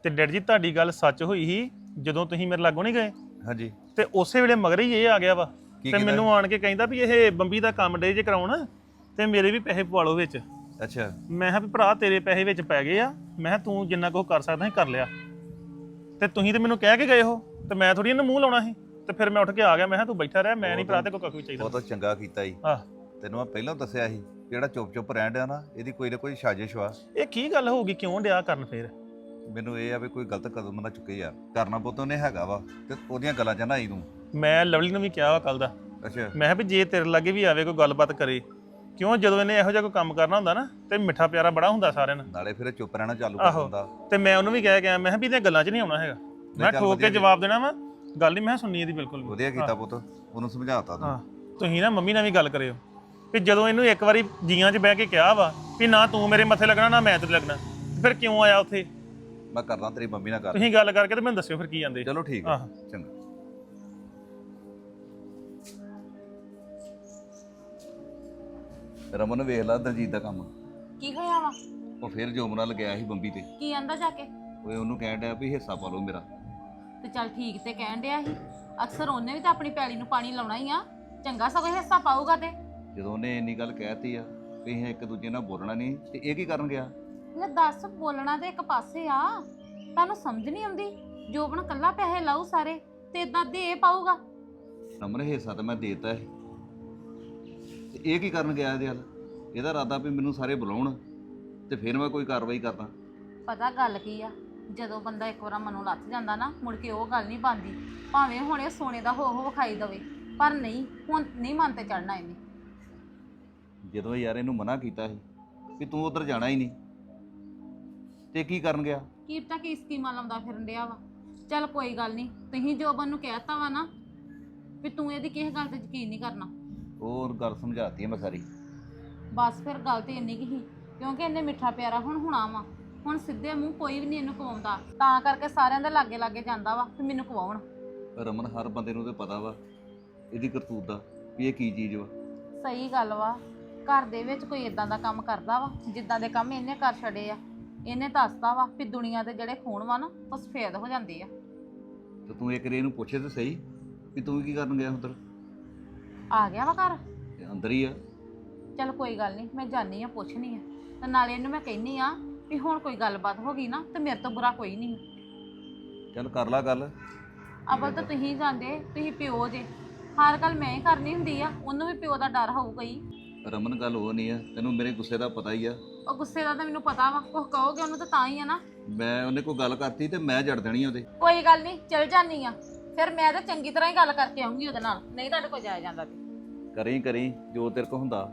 ਤੇ ਡੈਡੀ ਜੀ ਤੁਹਾਡੀ ਗੱਲ ਸੱਚ ਹੋਈ ਸੀ ਜਦੋਂ ਤੁਸੀਂ ਮੇਰੇ ਲਾਗੋਂ ਨਹੀਂ ਗਏ ਹਾਂਜੀ ਤੇ ਉਸੇ ਵੇਲੇ ਮਗਰ ਹੀ ਇਹ ਆ ਗਿਆ ਵਾ ਕੀ ਤੇ ਕਹਿੰਦਾ? ਮੈਨੂੰ ਆਣ ਕੇ ਕਹਿੰਦਾ ਵੀ ਇਹ ਬੰਬੀ ਦਾ ਕੰਮ ਡੇ ਜੇ ਕਰਾਉਣ ਤੇ ਮੇਰੇ ਵੀ ਪੈਸੇ ਪਵਾ ਲਓ ਵਿੱਚ। ਅੱਛਾ ਮੈਂ ਕਿਹਾ ਵੀ ਭਰਾ ਤੇਰੇ ਪੈਸੇ ਵਿੱਚ ਪੈ ਗਏ ਆ, ਮੈਂ ਕਿਹਾ ਤੂੰ ਜਿੰਨਾ ਕੁ ਕਰ ਸਕਦਾ ਸੀ ਕਰ ਲਿਆ ਤੇ ਤੁਸੀਂ ਤੇ ਮੈਨੂੰ ਕਹਿ ਕੇ ਗਏ ਹੋ ਤੇ ਮੈਂ ਥੋੜੀ ਇਹਨੂੰ ਮੂੰਹ ਲਾਉਣਾ ਸੀ ਤੇ ਫਿਰ ਮੈਂ ਉੱਠ ਕੇ ਆ ਗਿਆ। ਮੈਂ ਕਿਹਾ ਤੂੰ ਬੈਠਾ ਰਹਿ, ਮੈਂ ਨਹੀਂ ਭਰਾ ਤੇ ਕੋਈ ਕੱਖ ਵੀ ਚਾਹੀਦਾ। ਬਹੁਤ ਚੰਗਾ ਕੀਤਾ ਜੀ। ਆਹ ਤੈਨੂੰ ਮੈਂ ਪਹਿਲਾਂ ਦੱਸਿਆ ਸੀ ਜਿਹੜਾ ਚੁੱਪ ਰਹਿਣ ਡਿਆ ਨਾ ਇਹਦੀ ਕੋਈ ਨਾ ਕੋਈ ਸਾਜ਼ਿਸ਼ ਵਾ। ਇਹ ਕੀ ਗੱਲ ਹੋਊਗੀ, ਕਿਉਂ ਡਿਆ ਕਰਨ ਫੇਰ? ਮੈਨੂੰ ਇਹ ਆ ਵੀ ਕੋਈ ਗਲਤ ਕਦਮ ਨਾ ਚੁੱਕੇ ਯਾਰ, ਕਰਨਾ ਪੁੱਤ ਉਹਨੇ ਹੈਗਾ ਵਾ ਤੇ ਉਹਦੀਆਂ ਗੱਲਾਂ 'ਚ ਨਾ ਆਈ ਤੂੰ। ਮੈਂ ਲਵਲੀ ਨੂੰ ਵੀ ਕਿਹਾ ਵਾ ਕੱਲ ਦਾ, ਅੱਛਾ ਮੈਂ ਕਿਹਾ ਵੀ ਜੇ ਤੇਰੇ ਲਾਗੇ ਵੀ ਆਵੇ ਕੋਈ ਗੱਲਬਾਤ ਕਰੇ, ਕਿਉਂ ਜਦੋਂ ਇਹਨੇ ਇਹੋ ਜਿਹਾ ਕੋਈ ਕੰਮ ਕਰਨਾ ਹੁੰਦਾ ਨਾ ਤੇ ਮਿੱਠਾ ਪਿਆਰਾ ਬੜਾ ਹੁੰਦਾ ਸਾਰਿਆਂ ਨਾਲ। ਨਾਲੇ ਫਿਰ ਚੁੱਪ ਰਹਿਣਾ ਚਾਲੂ ਕਰ ਆਹੋ ਦਿੰਦਾ। ਤੇ ਮੈਂ ਉਹਨੂੰ ਵੀ ਕਹਿ ਕੇ ਆਇਆ, ਮੈਂ ਕਿਹਾ ਵੀ ਇਹਦੀਆਂ ਗੱਲਾਂ 'ਚ ਨਹੀਂ ਆਉਣਾ ਹੈਗਾ, ਮੈਂ ਚੱਲ ਠੋਕ ਵਧੀਆ ਕੇ ਜਵਾਬ ਦੇਣਾ ਵਾ, ਗੱਲ ਨਹੀਂ ਮੈਂ ਸੁਣਨੀ ਇਹਦੀ ਬਿਲਕੁਲ ਵੀ। ਵਧੀਆ ਕੀਤਾ ਪੁੱਤ, ਉਹਨੂੰ ਸਮਝਾਤਾ ਤੂੰ। ਹਾਂ ਤੁਸੀਂ ਨਾ ਮੰਮੀ ਨਾਲ ਵੀ ਗੱਲ ਕਰਿਓ ਵੀ ਜਦੋਂ ਇਹਨੂੰ ਇੱਕ ਵਾਰੀ ਜੀਆਂ 'ਚ ਬਹਿ ਕੇ ਕਿਹਾ ਵਾ ਵੀ ਨਾ ਤੂੰ ਮੇਰੇ ਮੱਥੇ ਲੱਗਣਾ ਨਾ ਮੈਂ ਤੇਰੇ ਲੱਗਣਾ, ਫਿਰ ਕਿਉਂ ਆਇਆ ਉੱਥੇ? ਮੈਂ ਕਰਦਾ ਤੇਰੀ ਮੰਮੀ ਨਾਲ ਗੱਲ। ਤੁਸੀਂ ਗੱਲ ਕਰਕੇ ਤੇ ਮੈਨੂੰ ਦੱਸਿਓ ਫਿਰ ਕੀ ਜਾਂਦੇ। ਚਲੋ ਠੀਕ ਹੈ ਆਹ। ਚੰਗਾ। ਰਮਨ ਵੇਖ ਲਾ ਦਲਜੀਤ ਦਾ ਕੰਮ, ਕੀ ਹੋਇਆ ਵਾ? ਉਹ ਫਿਰ ਜੋਮਨਾ ਲੱਗਿਆ ਸੀ ਬੰਬੀ ਤੇ। ਕੀ ਆਂਦਾ ਜਾ ਕੇ? ਓਏ ਉਹਨੂੰ ਕਹਿਣ ਡਿਆ ਵੀ ਹਿੱਸਾ ਪਾ ਲਓ ਮੇਰਾ। ਤੇ ਚੱਲ ਠੀਕ ਤੇ ਕਹਿਣ ਡਿਆ ਸੀ, ਅਕਸਰ ਉਹਨੇ ਵੀ ਤਾਂ ਆਪਣੀ ਪੈਲੀ ਨੂੰ ਪਾਣੀ ਲਾਉਣਾ ਹੀ ਆ, ਚੰਗਾ ਸਗੋਂ ਹਿੱਸਾ ਪਾਊਗਾ ਤੇ। ਜਦੋਂ ਉਹਨੇ ਇੰਨੀ ਗੱਲ ਕਹਿਤੀ ਆ ਵੀ ਅਸੀਂ ਇੱਕ ਦੂਜੇ ਨਾਲ ਬੋਲਣਾ ਨਹੀਂ, ਤੇ ਇਹ ਕੀ ਕਰਨ ਗਿਆ? ਲੈ ਦੱਸ, ਬੋਲਣਾ ਤੇ ਇੱਕ ਪਾਸੇ ਆ, ਤੁਹਾਨੂੰ ਸਮਝ ਨਹੀਂ ਆਉਂਦੀ? ਜੋਬਨ ਕੱਲਾ ਪੈਸੇ ਲਾਊ ਸਾਰੇ ਤੇ ਇਦਾਂ ਦੇ ਪਾਊਗਾ। ਰਮਨ ਹਿੱਸਾ ਤਾਂ ਮੈਂ ਦੇਤਾ ਹੈ, ਤੇ ਇਹ ਕੀ ਕਰਨ ਗਿਆ ਇਹਦੇ ਹੱਲ? ਇਹਦਾ ਇਰਾਦਾ ਵੀ ਮੈਨੂੰ ਸਾਰੇ ਬੁਲਾਉਣ ਤੇ ਫਿਰ ਮੈਂ ਕੋਈ ਕਾਰਵਾਈ ਕਰਦਾ। ਪਤਾ ਗੱਲ ਕੀ ਆ, ਜਦੋਂ ਬੰਦਾ ਇੱਕ ਵਾਰ ਮਨੋਂ ਲੱਥ ਜਾਂਦਾ ਨਾ, ਮੁੜ ਕੇ ਉਹ ਗੱਲ ਨਹੀਂ ਬਣਦੀ, ਭਾਵੇਂ ਹੁਣ ਇਹ ਸੋਨੇ ਦਾ ਹੋ ਵਿਖਾਈ ਦਵੇ, ਪਰ ਨਹੀਂ, ਹੁਣ ਨਹੀਂ ਮਨ ਤੇ ਚੜਨਾ ਇਹਨੇ। ਜਦੋਂ ਯਾਰ ਇਹਨੂੰ ਮਨਾ ਕੀਤਾ ਸੀ ਵੀ ਤੂੰ ਉਧਰ ਜਾਣਾ ਹੀ ਨਹੀਂ, ਤੇ ਕੀ ਕਰਨ ਗਿਆ? ਕੀ ਪਤਾ ਕੀ ਸਕੀਮਾਂ ਲਾਉਂਦਾ ਫਿਰਨ ਡਿਆ ਵਾ। ਚੱਲ ਕੋਈ ਗੱਲ ਨਹੀਂ, ਤੁਸੀਂ ਜੋਬਨ ਨੂੰ ਕਹਿਤਾ ਵਾ ਨਾ ਵੀ ਤੂੰ ਇਹਦੀ ਕਿਸੇ ਗੱਲ ਤੇ ਯਕੀਨ ਨਹੀਂ ਕਰਨਾ। ਉਹ ਗੱਲ ਸਮਝਾਤੀ ਮੈਂ ਸਾਰੀ। ਬਸ ਫਿਰ ਗੱਲ ਤੇ ਇੰਨੀ ਕੀ ਸੀ, ਕਿਉਂਕਿ ਇਹਨੇ ਮਿੱਠਾ ਪਿਆਰਾ ਹੁਣ ਹੋਣਾ ਵਾ, ਹੁਣ ਸਿੱਧੇ ਮੂੰਹ ਕੋਈ ਵੀ ਨਹੀਂ ਇਹਨੂੰ ਕਵਾਉਂਦਾ, ਤਾਂ ਕਰਕੇ ਸਾਰਿਆਂ ਦੇ ਲਾਗੇ ਲਾਗੇ ਜਾਂਦਾ ਵਾ ਵੀ ਮੈਨੂੰ ਕਵਾਉਣ। ਰਮਨ ਹਰ ਬੰਦੇ ਨੂੰ ਤੇ ਪਤਾ ਵਾ ਇਹਦੀ ਕਰਤੂਤ ਦਾ ਵੀ ਇਹ ਕੀ ਚੀਜ਼ ਵਾ। ਸਹੀ ਗੱਲ ਵਾ, ਘਰ ਦੇ ਵਿੱਚ ਕੋਈ ਇਦਾਂ ਦਾ ਕੰਮ ਕਰਦਾ ਵਾ ਜਿੱਦਾਂ ਦੇ ਕੰਮ ਇਹਨੇ ਕਰ ਛੜੇ ਆ। ਇਹਨੇ ਦੱਸਦਾ ਵਾ ਵੀ ਦੁਨੀਆ ਦੇ ਜਿਹੜੇ ਖੂਨ ਵਾ ਨਾ ਉਹ ਸਫੇਦ ਹੋ ਜਾਂਦੇ ਆ। ਤੇ ਤੂੰ ਇੱਕ ਰੇ ਇਹਨੂੰ ਪੁੱਛੇ ਤੇ ਸਹੀ ਵੀ ਤੂੰ ਕੀ ਕਰਨ ਗਿਆ ਉੱਧਰ? ਆ ਗਿਆ ਵਾ ਘਰ? ਤੇ ਅੰਦਰ ਹੀ ਆ। ਚਲ ਕੋਈ ਗੱਲ ਨਹੀਂ, ਮੈਂ ਜਾਣੀ ਆ, ਪੁੱਛਣੀ ਆ, ਤੇ ਨਾਲੇ ਇਹਨੂੰ ਮੈਂ ਕਹਿੰਨੀ ਆ ਵੀ ਹੁਣ ਕੋਈ ਗੱਲਬਾਤ ਹੋ ਗਈ ਨਾ ਤੇ ਮੇਰੇ ਤੋਂ ਬੁਰਾ ਕੋਈ ਨਹੀਂ। ਚੱਲ ਕਰ ਲਾ ਗੱਲ। ਅਬਲ ਤਾਂ ਤੁਸੀਂ ਜਾਂਦੇ, ਤੁਸੀਂ ਪਿਓ ਜੇ, ਹਰ ਗੱਲ ਮੈਂ ਹੀ ਕਰਨੀ ਹੁੰਦੀ ਆ, ਉਹਨੂੰ ਵੀ ਪਿਓ ਦਾ ਡਰ ਹੋਊਗਾ ਹੀ। ਰਮਨ ਗੱਲ ਉਹ ਨਹੀਂ ਆ, ਤੈਨੂੰ ਮੇਰੇ ਗੁੱਸੇ ਦਾ ਪਤਾ ਹੀ ਆ। ਉਹ ਗੁੱਸੇ ਦਾ ਤਾਂ ਮੈਨੂੰ ਪਤਾ ਵਾ, ਕੁਝ ਕਹੋਗੇ ਉਹਨੂੰ ਤਾਂ ਹੀ ਆ ਨਾ। ਮੈਂ ਉਹਨੇ ਕੋਈ ਗੱਲ ਕਰਤੀ ਤੇ ਮੈਂ ਜੜ ਦੇਣੀ ਉਹਦੇ। ਕੋਈ ਗੱਲ ਨਹੀਂ, ਚਲ ਜਾਨੀ ਆ, ਫਿਰ ਮੈਂ ਤਾਂ ਚੰਗੀ ਤਰ੍ਹਾਂ ਹੀ ਗੱਲ ਕਰਕੇ ਆਉਂਗੀ ਉਹਦੇ ਨਾਲ, ਨਹੀਂ ਤੁਹਾਡੇ ਕੋਲ ਜਾਇਆ ਜਾਂਦਾ ਤੇ। ਕਰੀ ਜੋ ਤੇਰੇ ਕੋ ਹੁੰਦਾ।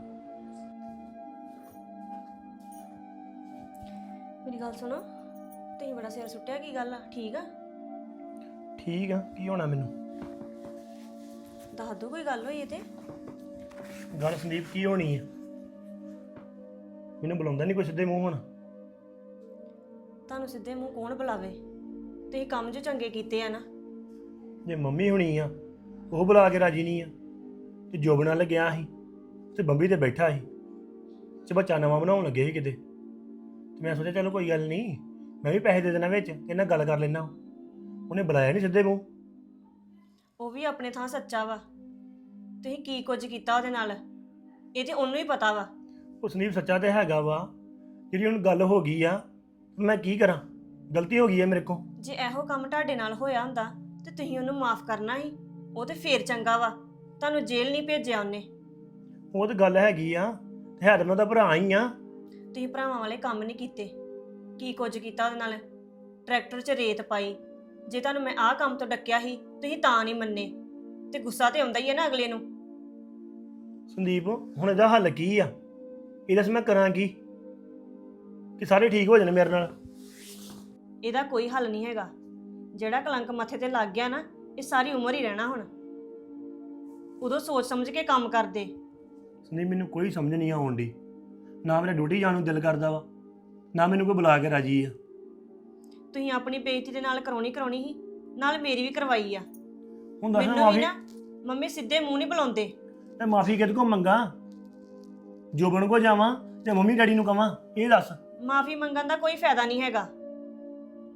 ਮੇਰੀ ਗੱਲ ਸੁਣੋ, ਤੁਸੀਂ ਬੜਾ ਸਿਰ ਸੁੱਟਿਆ, ਕੀ ਗੱਲ ਆ? ਠੀਕ ਆ? ਠੀਕ ਆ, ਕੀ ਹੋਣਾ ਮੈਨੂੰ? ਦੱਸ ਦੋ ਕੋਈ ਗੱਲ ਹੋਈ ਤੇ। ਗੱਲ ਸੰਦੀਪ ਕੀ ਹੋਣੀ ਆ? ਮੈਨੂੰ ਬੁਲਾਉਂਦਾ ਨਹੀਂ ਕੋਈ ਸਿੱਧੇ ਮੂੰਹ ਹੁਣ। ਤੁਹਾਨੂੰ ਸਿੱਧੇ ਮੂੰਹ ਕੌਣ ਬੁਲਾਵੇ? ਤੁਸੀਂ ਕੰਮ ਜੋ ਚੰਗੇ ਕੀਤੇ ਆ ਨਾ। ਜੇ ਮੰਮੀ ਹੋਣੀ ਆ ਉਹ ਬੁਲਾ ਕੇ ਰਾਜੀ ਨਹੀਂ ਆ, ਤੇ ਜੋਬ ਨਾਲ ਗਿਆ ਸੀ ਤੇ ਬੰਬੀ ਤੇ ਬੈਠਾ ਸੀ ਤੇ ਬੱਚਾ ਨਵਾਂ ਬਣਾਉਣ ਲੱਗੇ ਸੀ ਕਿਤੇ, ਤੇ ਮੈਂ ਸੋਚਿਆ ਚਲੋ ਕੋਈ ਗੱਲ ਨਹੀਂ, ਮੈਂ ਵੀ ਪੈਸੇ ਦੇ ਦੇਣਾ ਵਿੱਚ, ਇਹਨਾਂ ਗੱਲ ਕਰ ਲੈਣਾ। ਉਹਨੇ ਬੁਲਾਇਆ ਨਹੀਂ ਸਿੱਧੇ ਮੂੰਹ। ਉਹ ਵੀ ਆਪਣੇ ਥਾਂ ਸੱਚਾ ਵਾ, ਤੁਸੀਂ ਕੀ ਕੁਝ ਕੀਤਾ ਉਹਦੇ ਨਾਲ ਇਹ ਤੇ ਉਹਨੂੰ ਹੀ ਪਤਾ ਵਾ। ਉਹ ਸੰਦੀਪ ਸੱਚਾ ਤੇ ਹੈਗਾ ਵਾ, ਜਿਹੜੀ ਹੁਣ ਗੱਲ ਹੋ ਗਈ ਆ, ਮੈਂ ਕੀ ਕਰਾਂ? ਗਲਤੀ ਹੋ ਗਈ ਹੈ ਮੇਰੇ ਕੋਲ। ਜੇ ਇਹੋ ਕੰਮ ਤੁਹਾਡੇ ਨਾਲ ਹੋਇਆ ਹੁੰਦਾ ਤੇ ਤੁਸੀਂ ਉਹਨੂੰ ਮਾਫ ਕਰਨਾ ਸੀ, ਉਹ ਤੇ ਫੇਰ ਚੰਗਾ ਵਾ, ਤੁਹਾਨੂੰ ਜੇਲ੍ਹ ਨਹੀਂ ਭੇਜਿਆ ਉਹਨੇ। ਉਹ ਤਾਂ ਗੱਲ ਹੈਗੀ ਆ, ਤੇ ਹੈ ਤਾਂ ਮੈਂ ਉਹਦਾ ਭਰਾ ਹੀ ਆ। ਤੁਸੀਂ ਭਰਾਵਾਂ ਵਾਲੇ ਕੰਮ ਨਹੀਂ ਕੀਤੇ। ਕੀ ਕੁਝ ਕੀਤਾ ਉਹਦੇ ਨਾਲ? ਟਰੈਕਟਰ 'ਚ ਰੇਤ ਪਾਈ। ਜੇ ਤੁਹਾਨੂੰ ਮੈਂ ਆਹ ਕੰਮ ਤੋਂ ਡੱਕਿਆ ਸੀ ਤੁਸੀਂ ਤਾਂ ਨਹੀਂ ਮੰਨੇ, ਤੇ ਗੁੱਸਾ ਤੇ ਆਉਂਦਾ ਹੀ ਹੈ ਨਾ ਅਗਲੇ ਨੂੰ। ਸੰਦੀਪ ਹੁਣ ਇਹਦਾ ਹੱਲ ਕੀ ਆ? ਇਹ ਦੱਸ ਮੈਂ ਕਰਾਂ ਕੀ ਕਿ ਸਾਰੇ ਠੀਕ ਹੋ ਜਾਣ ਮੇਰੇ ਨਾਲ? ਇਹਦਾ ਕੋਈ ਹੱਲ ਨਹੀਂ ਹੈਗਾ। ਜਿਹੜਾ ਕਲੰਕ ਮੱਥੇ ਤੇ ਲੱਗ ਗਿਆ ਨਾ, ਇਹ ਸਾਰੀ ਉਮਰ ਹੀ ਰਹਿਣਾ। ਹੁਣ ਉਦੋਂ ਸੋਚ ਸਮਝ ਕੇ ਕੰਮ ਕਰਦੇ। ਸੰਦੀਪ ਮੈਨੂੰ ਕੋਈ ਸਮਝ ਨਹੀਂ ਆਉਣ ਦੀ, ਨਾ ਮੇਰਾ ਡਿਊਟੀ ਜਾਣ ਨੂੰ ਦਿਲ ਕਰਦਾ ਵਾ, ਨਾ ਮੈਨੂੰ ਕੋਈ ਬੁਲਾ ਕੇ ਰਾਜੀ ਆ। ਤੁਸੀਂ ਆਪਣੀ ਬੇਇੱਜ਼ਤੀ ਦੇ ਨਾਲ ਕਰਾਉਣੀ ਸੀ, ਨਾਲ ਮੇਰੀ ਵੀ ਕਰਵਾਈ ਆ। ਹੁਣ ਦੱਸ ਮੈਨੂੰ ਵੀ ਮਾਫੀ, ਨਾ ਮੰਮੀ ਸਿੱਧੇ ਮੂੰਹ ਨਹੀਂ ਬੁਲਾਉਂਦੇ। ਮੈਂ ਮਾਫੀ ਕਿਹਦੇ ਕੋਲ ਮੰਗਾ? ਜੋਬਨ ਕੋ ਜਾਵਾਂ ਜਾਂ ਮੰਮੀ ਡੈਡੀ ਨੂੰ ਕਵਾਂ? ਇਹ ਦੱਸ। ਮਾਫੀ ਮੰਗਣ ਦਾ ਕੋਈ ਫਾਇਦਾ ਨਹੀਂ ਹੈਗਾ।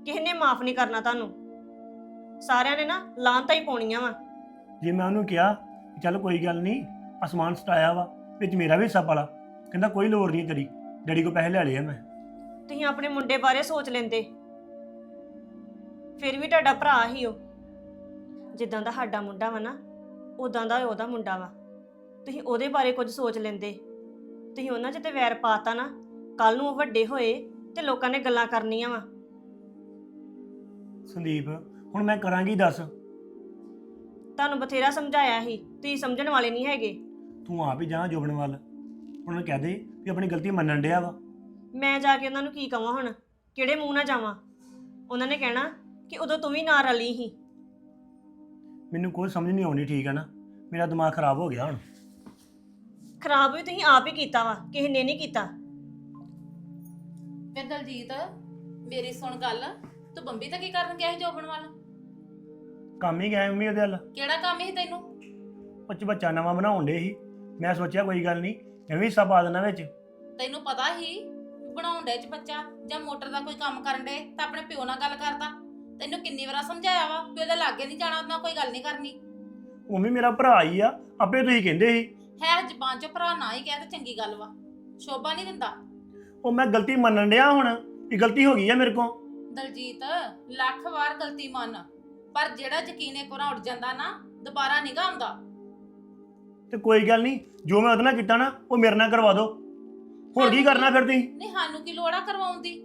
ਕਿਸੇ ਨੇ ਮਾਫ ਨਹੀਂ ਕਰਨਾ ਤੁਹਾਨੂੰ। ਸਾਰਿਆਂ ਨੇ ਨਾ ਲਾਂਤਾਂ ਹੀ ਪਾਉਣੀਆਂ ਵਾ। ਜੇ ਮੈਂ ਉਹਨੂੰ ਕਿਹਾ ਕਿ ਚੱਲ ਕੋਈ ਗੱਲ ਨਹੀਂ, ਅਸਮਾਨ ਸਟਾਇਆ ਵਾ, ਵਿੱਚ ਮੇਰਾ ਵੀ ਹਿੱਸਾ ਪਾਲਾ, ਕਹਿੰਦਾ ਕੋਈ ਲੋੜ ਨਹੀਂ ਤੇਰੀ, ਡੈਡੀ ਕੋ ਪੈਸੇ ਲੈ ਲਏ ਆ ਮੈਂ। ਤੁਸੀਂ ਆਪਣੇ ਮੁੰਡੇ ਬਾਰੇ ਸੋਚ ਲੈਂਦੇ, ਫਿਰ ਵੀ ਤੁਹਾਡਾ ਭਰਾ ਹੀ ਉਹ। ਜਿੱਦਾਂ ਦਾ ਸਾਡਾ ਮੁੰਡਾ ਵਾ ਨਾ, ਉਦਾਂ ਦਾ ਉਹਦਾ ਮੁੰਡਾ ਵਾ। ਤੁਸੀਂ ਉਹਦੇ ਬਾਰੇ ਕੁਝ ਸੋਚ ਲੈਂਦੇ। ਤੁਸੀਂ ਉਹਨਾਂ 'ਚ ਤੇ ਵੈਰ ਪਾਤਾ ਨਾ, ਕੱਲ ਨੂੰ ਉਹ ਵੱਡੇ ਹੋਏ ਤੇ ਲੋਕਾਂ ਨੇ ਗੱਲਾਂ ਕਰਨੀਆਂ ਵਾ। ਸੰਦੀਪ ਹੁਣ ਮੈਂ ਕਰਾਂਗੀ ਦੱਸ? ਤੁਹਾਨੂੰ ਬਥੇਰਾ ਸਮਝਾਇਆ ਸੀ, ਤੁਸੀਂ ਸਮਝਣ ਵਾਲੇ ਨਹੀਂ ਹੈਗੇ। ਤੂੰ ਆਪ ਹੀ ਜਾ ਜੋਬਨ ਵੱਲ, ਉਹਨਾਂ ਨੂੰ ਕਹਿ ਦੇ ਵੀ ਆਪਣੀ ਗਲਤੀ ਮੰਨਣ ਡਿਆ ਵਾ। ਮੈਂ ਜਾ ਕੇ ਉਹਨਾਂ ਨੂੰ ਕੀ ਕਵਾਂ ਹੁਣ? ਕਿਹੜੇ ਮੂੰਹ ਨਾਲ ਜਾਵਾਂ? ਉਹਨਾਂ ਨੇ ਕਹਿਣਾ ਕਿ ਉਦੋਂ ਤੂੰ ਵੀ ਨਾ ਰਲੀ ਸੀ। ਮੈਨੂੰ ਕੋਈ ਸਮਝ ਨਹੀਂ ਆਉਂਦੀ, ਠੀਕ ਹੈ ਨਾ? ਮੇਰਾ ਦਿਮਾਗ ਖਰਾਬ ਹੋ ਗਿਆ ਹੁਣ। ਖਰਾਬ ਵੀ ਤੁਸੀਂ ਆਪ ਹੀ ਕੀਤਾ ਵਾ, ਕਿਸੇ ਨੇ ਨਹੀਂ ਕੀਤਾ। ਫਿਰ ਦਲਜੀਤ ਮੇਰੀ ਸੁਣ ਗੱਲ, ਤੂੰ ਬੰਬੀ ਤਾਂ ਕੀ ਕਰਨ ਗਿਆ ਸੀ ਜੋਬਨ ਵੱਲ? ਕੰਮ ਹੀ ਗਿਆ ਮੰਮੀ ਉਹਦੇ ਵੱਲ। ਕਿਹੜਾ ਕੰਮ ਸੀ ਤੈਨੂੰ? ਬੱਚ ਬੱਚਾ ਨਵਾਂ ਬਣਾਉਣ ਡੇ ਸੀ, ਮੈਂ ਸੋਚਿਆ ਕੋਈ ਗੱਲ ਨਹੀਂ ਮੈਂ ਵੀ ਹਿੱਸਾ ਪਾ ਦੇਣਾ ਵਿੱਚ। ਤੈਨੂੰ ਪਤਾ ਹੀ ਬਣਾਉਣ ਡੇ ਚ ਬੱਚਾ ਜਾਂ ਮੋਟਰ ਦਾ ਕੋਈ ਕੰਮ ਕਰਨ ਡੇ ਤਾਂ ਆਪਣੇ ਪਿਓ ਨਾਲ ਗੱਲ ਕਰਦਾ। ਤੈਨੂੰ ਕਿੰਨੀ ਵਾਰ ਸਮਝਾਇਆ ਵਾ ਵੀ ਉਹਦੇ ਲਾਗੇ ਨਹੀਂ ਜਾਣਾ, ਉਹਦੇ ਨਾਲ ਕੋਈ ਗੱਲ ਨਹੀਂ ਕਰਨੀ। ਮੰਮੀ ਮੇਰਾ ਭਰਾ ਹੀ ਆ, ਆਪੇ ਤੁਸੀਂ ਕਹਿੰਦੇ ਸੀ। ਹੈ ਜ਼ਬਾਨ ਚੋਂ ਭਰਾ ਨਾ ਹੀ ਕਹਿ ਤੇ ਚੰਗੀ ਗੱਲ ਵਾ, ਸ਼ੋਭਾ ਨਹੀਂ ਦਿੰਦਾ। ਉਹ ਮੈਂ ਗਲਤੀ ਮੰਨਣ ਡਿਆ ਹੁਣ ਵੀ ਗਲਤੀ ਹੋ ਗਈ ਆ ਮੇਰੇ ਕੋਲ। ਦਲਜੀਤ ਲੱਖ ਵਾਰ ਗਲਤੀ ਮੰਨ, ਪਰ ਜਿਹੜਾ ਯਕੀਨ ਇੱਕ ਵਾਰ ਉੱਡ ਜਾਂਦਾ ਨਾ, ਦੁਬਾਰਾ ਨਹੀਂ ਗਾ ਆਉਂਦਾ। ਤੇ ਕੋਈ ਗੱਲ ਨਹੀਂ, ਜੋ ਮੈਂ ਉਹਦੇ ਨਾਲ ਕੀਤਾ ਨਾ ਉਹ ਮੇਰੇ ਨਾਲ ਕਰਵਾ ਦਿਓ। ਹੋਰ ਕੀ ਕਰਨਾ ਫਿਰ ਤੁਸੀਂ? ਨਹੀਂ ਸਾਨੂੰ ਕੀ ਲੋੜ ਆ ਕਰਵਾਉਣ ਦੀ?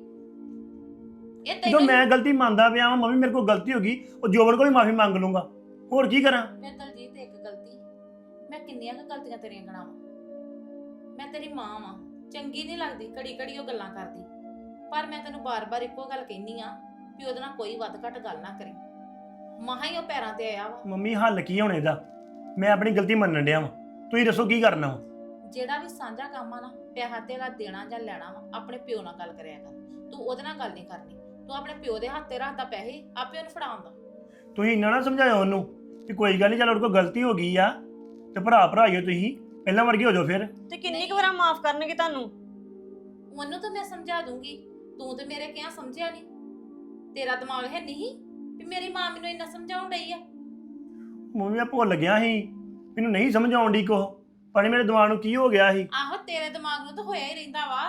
ਇਹ ਜਦੋਂ ਤੈਨੂੰ ਮੈਂ ਗਲਤੀ ਮੰਨਦਾ ਪਿਆ ਵਾਂ, ਮੰਮੀ ਮੇਰੇ ਕੋਲ ਗਲਤੀ ਹੋ ਗਈ, ਉਹ ਜੋਬਨ ਕੋਲ ਵੀ ਮਾਫੀ ਮੰਗ ਲੂੰਗਾ। ਹੋਰ ਕੀ ਕਰਾਂ? ਮੈਂ ਦਲਜੀਤ ਇੱਕ ਗਲਤੀ, ਮੈਂ ਕਿੰਨੀਆਂ ਕੁ ਗਲਤੀਆਂ ਤੇਰੀਆਂ ਗਣਾਵਾਂ? ਮੈਂ ਤੇਰੀ ਮਾਂ ਵਾਂ, ਚੰਗੀ ਨਹੀਂ ਲੱਗਦੀ ਘੜੀ ਘੜੀ ਉਹ ਗੱਲਾਂ ਕਰਦੀ, ਪਰ ਮੈਂ ਤੈਨੂੰ ਬਾਰ-ਬਾਰ ਇੱਕੋ ਗੱਲ ਕਹਿਨੀ ਆ ਵੀ ਉਹਦੇ ਨਾਲ ਕੋਈ ਵੱਧ ਘੱਟ ਗੱਲ ਨਾ ਕਰੀ। ਮਹਾਂ ਹੀ ਉਹ ਪੈਰਾਂ ਤੇ ਆਇਆ ਵਾ। ਮੰਮੀ ਹੱਲ ਕੀ ਹੋਣੇ ਦਾ? ਮੈਂ ਆਪਣੀ ਗਲਤੀ ਮੰਨਣ ਡਿਆ ਵਾਂ, ਤੁਸੀਂ ਦੱਸੋ ਕੀ ਕਰਨਾ ਵਾ? ਜਿਹੜਾ ਵੀ ਸਾਂਝਾ ਕੰਮ ਆ ਨਾ, ਪਿਆਰ ਤੇਰਾ ਦੇਣਾ ਜਾਂ ਲੈਣਾ ਵਾ, ਆਪਣੇ ਪਿਓ ਨਾਲ ਗੱਲ ਕਰਿਆ ਕਰ। ਤੂੰ ਉਹਦੇ ਨਾਲ ਗੱਲ ਨਹੀਂ ਕਰਨੀ, ਤੂੰ ਆਪਣੇ ਪਿਓ ਦੇ ਹੱਥ ਤੇ ਰੱਖਦਾ ਪੈਸੇ, ਆਪੇ ਉਹਨੂੰ ਫੜਾਉਂਦਾ। ਤੁਸੀਂ ਇੰਨਾ ਨਾ ਸਮਝਾਇਓ ਉਹਨੂੰ ਕਿ ਕੋਈ ਗੱਲ ਨਹੀਂ, ਚੱਲ ਉਹਦੇ ਕੋਲ ਗਲਤੀ ਹੋ ਗਈ ਆ ਤੇ ਭਰਾ ਭਰਾਈਓ, ਤੁਸੀਂ ਪਹਿਲਾਂ ਵਰਗੇ ਹੋ ਜਾਓ ਫਿਰ। ਤੇ ਕਿੰਨੀ ਕੁ ਵਾਰ ਮਾਫ ਕਰਨਗੇ ਤੁਹਾਨੂੰ? ਉਹਨੂੰ ਤਾਂ ਮੈਂ ਸਮਝਾ ਦੂੰਗੀ, ਤੂੰ ਤੇ ਮੇਰੇ ਕਿਹਾ ਸਮਝਿਆ ਨਹੀਂ। ਤੇਰਾ ਦਿਮਾਗ ਹੈ ਨਹੀਂ ਵੀ ਮੇਰੀ ਮਾਂ ਮੈਨੂੰ ਇੰਨਾ ਸਮਝਾਉਣ ਡਈ ਆ। ਮੰਮੀ ਮੈਂ ਭੁੱਲ ਗਿਆ ਸੀ, ਮੈਨੂੰ ਨਹੀਂ ਸਮਝ ਆਉਣ ਡਈ ਕੁਛ, ਪਰ ਮੇਰੇ ਦਿਮਾਗ ਨੂੰ ਕੀ ਹੋ ਗਿਆ ਸੀ। ਆਹੋ ਤੇਰੇ ਦਿਮਾਗ ਨੂੰ ਤਾਂ ਹੋਇਆ ਹੀ ਰਹਿੰਦਾ ਵਾ।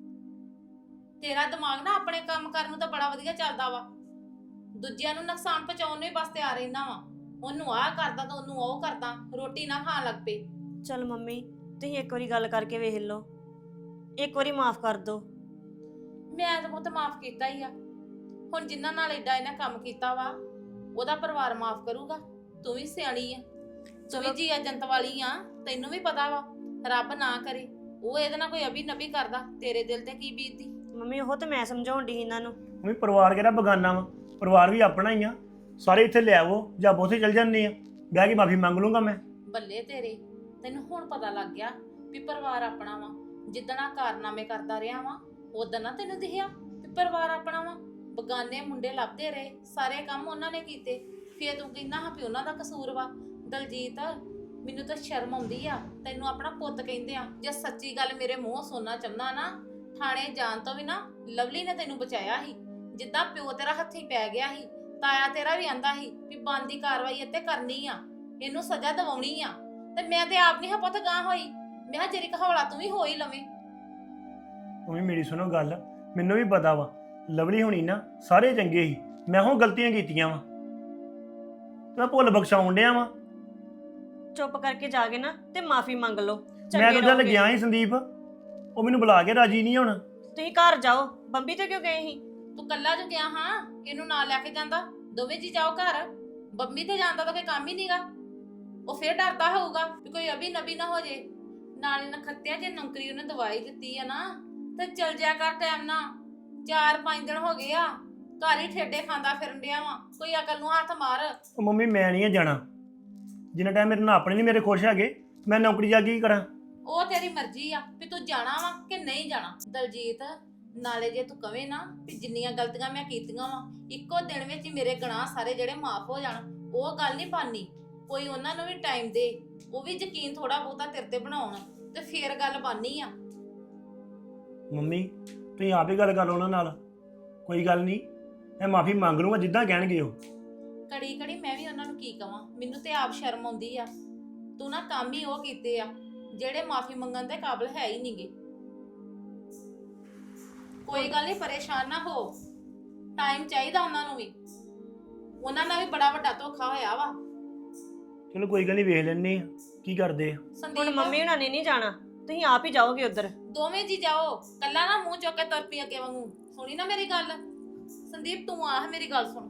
ਤੇਰਾ ਦਿਮਾਗ ਨਾ ਆਪਣੇ ਕੰਮ ਕਰਨ ਨੂੰ ਤਾਂ ਬੜਾ ਵਧੀਆ ਚੱਲਦਾ ਵਾ, ਦੂਜਿਆਂ ਨੂੰ ਨੁਕਸਾਨ ਪਹੁੰਚਾਉਣ ਨੂੰ ਹੀ ਬਸ ਤਿਆਰ ਰਹਿੰਦਾ ਵਾ। ਉਹਨੂੰ ਆਹ ਕਰਦਾ ਤਾਂ ਉਹਨੂੰ ਉਹ ਕਰਦਾ, ਰੋਟੀ ਨਾ ਖਾਣ ਲੱਗ ਪਏ। ਚਲ ਮੰਮੀ, ਤੁਸੀਂ ਇੱਕ ਵਾਰੀ ਗੱਲ ਕਰਕੇ ਵੇਖ ਲਓ, ਇੱਕ ਵਾਰੀ ਮਾਫ ਕਰ ਦਿਓ। ਮੈਂ ਤਾਂ ਪੁੱਤ ਮਾਫ ਕੀਤਾ ਹੀ ਆ। ਹੁਣ ਜਿਨ੍ਹਾਂ ਨਾਲ ਏਡਾ ਇਹਨੇ ਕੰਮ ਕੀਤਾ ਵਾ, ਉਹਦਾ ਪਰਿਵਾਰ ਮਾਫ ਕਰੂਗਾ। ਤੂੰ ਵੀ ਸਿਆਣੀ ਆ, ਤੂੰ ਵੀ ਜੀ ਏਜੰਟ ਵਾਲੀ ਆ, ਤੈਨੂੰ ਵੀ ਪਤਾ ਵਾ ਰੱਬ ਨਾ ਕਰੇ ਉਹ ਇਹਦੇ ਨਾਲ ਕੋਈ ਅਭੀ ਨਬੀ ਕਰਦਾ, ਤੇਰੇ ਦਿਲ ਤੇ ਕੀ ਬੀਤਦੀ। ਮੰਮੀ ਉਹ ਤੇ ਮੈਂ ਸਮਝਾਉਣ ਦੀ ਇਹਨਾਂ ਨੂੰ। ਮੰਮੀ ਪਰਿਵਾਰ ਕਿਹੜਾ ਬਗਾਨਾ ਵਾ? ਪਰਿਵਾਰ ਵੀ ਆਪਣਾ ਹੀ ਆ। ਸਾਰੇ ਇੱਥੇ ਲੈ ਆਵੋ ਜਾਂ ਉੱਥੇ ਚੱਲ ਜਾਂਦੇ ਆ, ਬਹਿ ਕੇ ਮਾਫੀ ਮੰਗ ਲੂੰਗਾ ਮੈਂ। ਬੱਲੇ ਤੇਰੇ, ਤੈਨੂੰ ਹੁਣ ਪਤਾ ਲੱਗ ਗਿਆ ਵੀ ਪਰਿਵਾਰ ਆਪਣਾ ਵਾ। ਜਿੱਦਣ ਆਹ ਕਾਰਨਾਮੇ ਕਰਦਾ ਰਿਹਾ ਵਾ, ਉਦੋਂ ਨਾ ਤੈਨੂੰ ਦਿਖਿਆ ਵੀ ਪਰਿਵਾਰ ਆਪਣਾ ਵਾ? ਬਗਾਨੇ ਮੁੰਡੇ ਲੱਭਦੇ ਰਹੇ, ਸਾਰੇ ਕੰਮ ਉਹਨਾਂ ਨੇ ਕੀਤੇ, ਫੇਰ ਤੂੰ ਕਹਿੰਦਾ ਹਾਂ ਵੀ ਉਹਨਾਂ ਦਾ ਕਸੂਰ ਵਾ। ਦਲਜੀਤ ਮੈਨੂੰ ਤਾਂ ਸ਼ਰਮ ਆਉਂਦੀ ਆ, ਤੈਨੂੰ ਆਪਣਾ ਪੁੱਤ ਕਹਿੰਦੇ ਆ। ਜੇ ਸੱਚੀ ਗੱਲ ਮੇਰੇ ਮੂੰਹੋਂ ਸੁਣਨਾ ਚਾਹੁੰਦਾ ਨਾ, ਥਾਣੇ ਜਾਣ ਤੋਂ ਵੀ ਨਾ ਲਵਲੀ ਨੇ ਤੈਨੂੰ ਬਚਾਇਆ ਸੀ। ਜਿੱਦਾਂ ਪਿਓ ਤੇਰਾ ਹੱਥੀਂ ਪੈ ਗਿਆ ਸੀ, ਤਾਇਆ ਤੇਰਾ ਵੀ ਆਂਦਾ ਸੀ ਵੀ ਬਣਦੀ ਕਾਰਵਾਈ ਇੱਥੇ ਕਰਨੀ ਆ, ਇਹਨੂੰ ਸਜ਼ਾ ਦਿਵਾਉਣੀ ਆ। ਤੇ ਮੈਂ ਤੇ ਆਪ ਨਹੀਂ ਹਾਂ ਪੁੱਤ ਗਾਂ ਹੋਈ, ਮੈਂ ਕਿਹਾ ਜਰੀ ਹੌਲਾ ਤੂੰ ਵੀ ਹੋ ਹੀ ਲਵੇਂ। ਮੰਮੀ ਮੇਰੀ ਸੁਣੋ ਗੱਲ, ਮੈਨੂੰ ਵੀ ਪਤਾ ਵਾ ਲਵਲੀ ਹੋਣੀ ਨਾ ਸਾਰੇ ਚੰਗੇ ਸੀ, ਮੈਂ ਉਹ ਗਲਤੀਆਂ ਕੀਤੀਆਂ ਵਾ, ਮੈਂ ਭੁੱਲ ਬਖਸ਼ਾਉਣ ਡਿਆ ਵਾ। ਚੁੱਪ ਕਰਕੇ ਜਾ ਕੇ ਨਾ ਤੇ ਮਾਫੀ ਮੰਗ ਲਓ। ਮੈਂ ਚੰਗੇ ਤਾਂ ਚੱਲ ਰਹੋਗੇ। ਗਿਆ ਸੀ ਸੰਦੀਪ, ਉਹ ਮੈਨੂੰ ਬੁਲਾ ਕੇ ਰਾਜੀ ਨਹੀਂ ਹੁਣ। ਤੁਸੀਂ ਘਰ ਜਾਓ, ਬੰਬੀ ਤੇ ਕਿਉਂ ਗਏ ਸੀ? ਤੂੰ ਕੱਲਾ ਜੋ ਗਿਆ ਹਾਂ, ਇਹਨੂੰ ਨਾਲ ਲੈ ਕੇ ਜਾਂਦਾ, ਦੋਵੇਂ ਜੀ ਜਾਓ ਘਰ। ਬੰਬੀ ਤੇ ਜਾਂਦਾ ਤਾਂ ਕੋਈ ਕੰਮ ਹੀ ਨਹੀਂਗਾ, ਉਹ ਫੇਰ ਡਰਦਾ ਹੋਊਗਾ ਵੀ ਕੋਈ ਅਭੀ ਨਬੀ ਨਾ ਹੋ ਜੇ। ਨਾਲੇ ਨਖੱਤਿਆ ਜੇ ਨੌਕਰੀ ਉਹਨੇ ਦਵਾਈ ਦਿੱਤੀ ਆ ਨਾ, ਤੇ ਚਲ ਜਾ ਕਰ ਟਾਈਮ ਨਾ। 4-5 ਦਿਨ ਹੋ ਗਏ ਆ, ਘਰ ਹੀ ਠੇਡੇ ਖਾਂਦਾ ਫਿਰਨ ਡਿਆ ਵਾ, ਕੋਈ ਅਕਲ ਨੂੰ ਹੱਥ ਮਾਰ। ਉਹ ਮੰਮੀ ਮੈਂ ਨਹੀਂ ਜਾਣਾ, ਜਿੰਨਾ ਟਾਈਮ ਮੇਰੇ ਨਾਲ ਆਪਣੇ ਨਹੀਂ ਮੇਰੇ ਖੁਸ਼ ਹੈਗੇ, ਮੈਂ ਨੌਕਰੀ ਜਾ ਕੇ ਕੀ ਕਰਾਂ? ਉਹ ਤੇਰੀ ਮਰਜ਼ੀ ਆ ਵੀ ਤੂੰ ਜਾਣਾ ਵਾ ਕਿ ਨਹੀਂ ਜਾਣਾ। ਦਲਜੀਤ ਨਾਲੇ ਜੇ ਤੂੰ ਕਵੇਂ ਨਾ ਵੀ ਜਿੰਨੀਆਂ ਗਲਤੀਆਂ ਮੈਂ ਕੀਤੀਆਂ ਵਾ ਇੱਕੋ ਦਿਨ ਵਿੱਚ ਹੀ ਮੇਰੇ ਗੁਨਾਹ ਸਾਰੇ ਜਿਹੜੇ ਮਾਫ ਹੋ ਜਾਣ, ਉਹ ਗੱਲ ਨਹੀਂ ਬਾਨੀ। ਕੋਈ ਉਹਨਾਂ ਨੂੰ ਵੀ ਟਾਈਮ ਦੇ, ਉਹ ਵੀ ਯਕੀਨ ਥੋੜਾ ਬਹੁਤਾ ਤੇਰੇ ਤੇ ਬਣਾਉਣ, ਤੇ ਫੇਰ ਗੱਲ ਬਾਨੀ ਆ। ਮੰਮੀ ਤੁਸੀਂ ਆਪ ਹੀ ਗੱਲ ਕਰ ਲਓ ਉਹਨਾਂ ਨਾਲ, ਕੋਈ ਗੱਲ ਨਹੀਂ, ਮੈਂ ਮਾਫੀ ਮੰਗ ਲੂੰਗਾ ਜਿੱਦਾਂ ਕਹਿਣਗੇ ਉਹ। ਕੜੀ ਕੜੀ ਮੈਂ ਵੀ ਉਹਨਾਂ ਨੂੰ ਕੀ ਕਵਾਂ, ਮੈਨੂੰ ਤੇ ਆਪ ਸ਼ਰਮ ਆਉਂਦੀ ਆ। ਤੂੰ ਨਾ ਕੰਮ ਹੀ ਉਹ ਕੀਤੇ ਆ ਜਿਹੜੇ ਮਾਫੀ ਮੰਗਣ ਦੇ ਕਾਬਿਲ ਹੈ ਹੀ ਨਹੀਂਗੇ। ਕੋਈ ਗੱਲ ਨਹੀਂ, ਪਰੇਸ਼ਾਨ ਨਾ ਹੋ, ਟਾਈਮ ਚਾਹੀਦਾ ਉਹਨਾਂ ਨੂੰ ਵੀ। ਉਹਨਾਂ ਨਾਲ ਵੀ ਬੜਾ ਵੱਡਾ ਧੋਖਾ ਹੋਇਆ ਵਾ। ਚਲੋ ਕੋਈ ਗੱਲ ਨਹੀਂ, ਵੇਖ ਲੈਣੇ ਆ ਕੀ ਕਰਦੇ ਆ। ਹੁਣ ਸੰਦੀਪ ਮੰਮੀ ਹੁਣਾਂ ਨੇ ਨਹੀਂ ਜਾਣਾ, ਤੁਸੀਂ ਆਪ ਹੀ ਜਾਓਗੇ ਉਧਰ। ਦੋਵੇਂ ਜੀ ਜਾਓ, ਕੱਲਾ ਨਾ ਮੂੰਹ ਚੁੱਕ ਕੇ ਤੁਰ ਪਈ ਅੱਗੇ ਵਾਂਗੂ। ਸੁਣੀ ਨਾ ਮੇਰੀ ਗੱਲ ਸੰਦੀਪ, ਤੂੰ ਆਹ ਮੇਰੀ ਗੱਲ ਸੁਣ।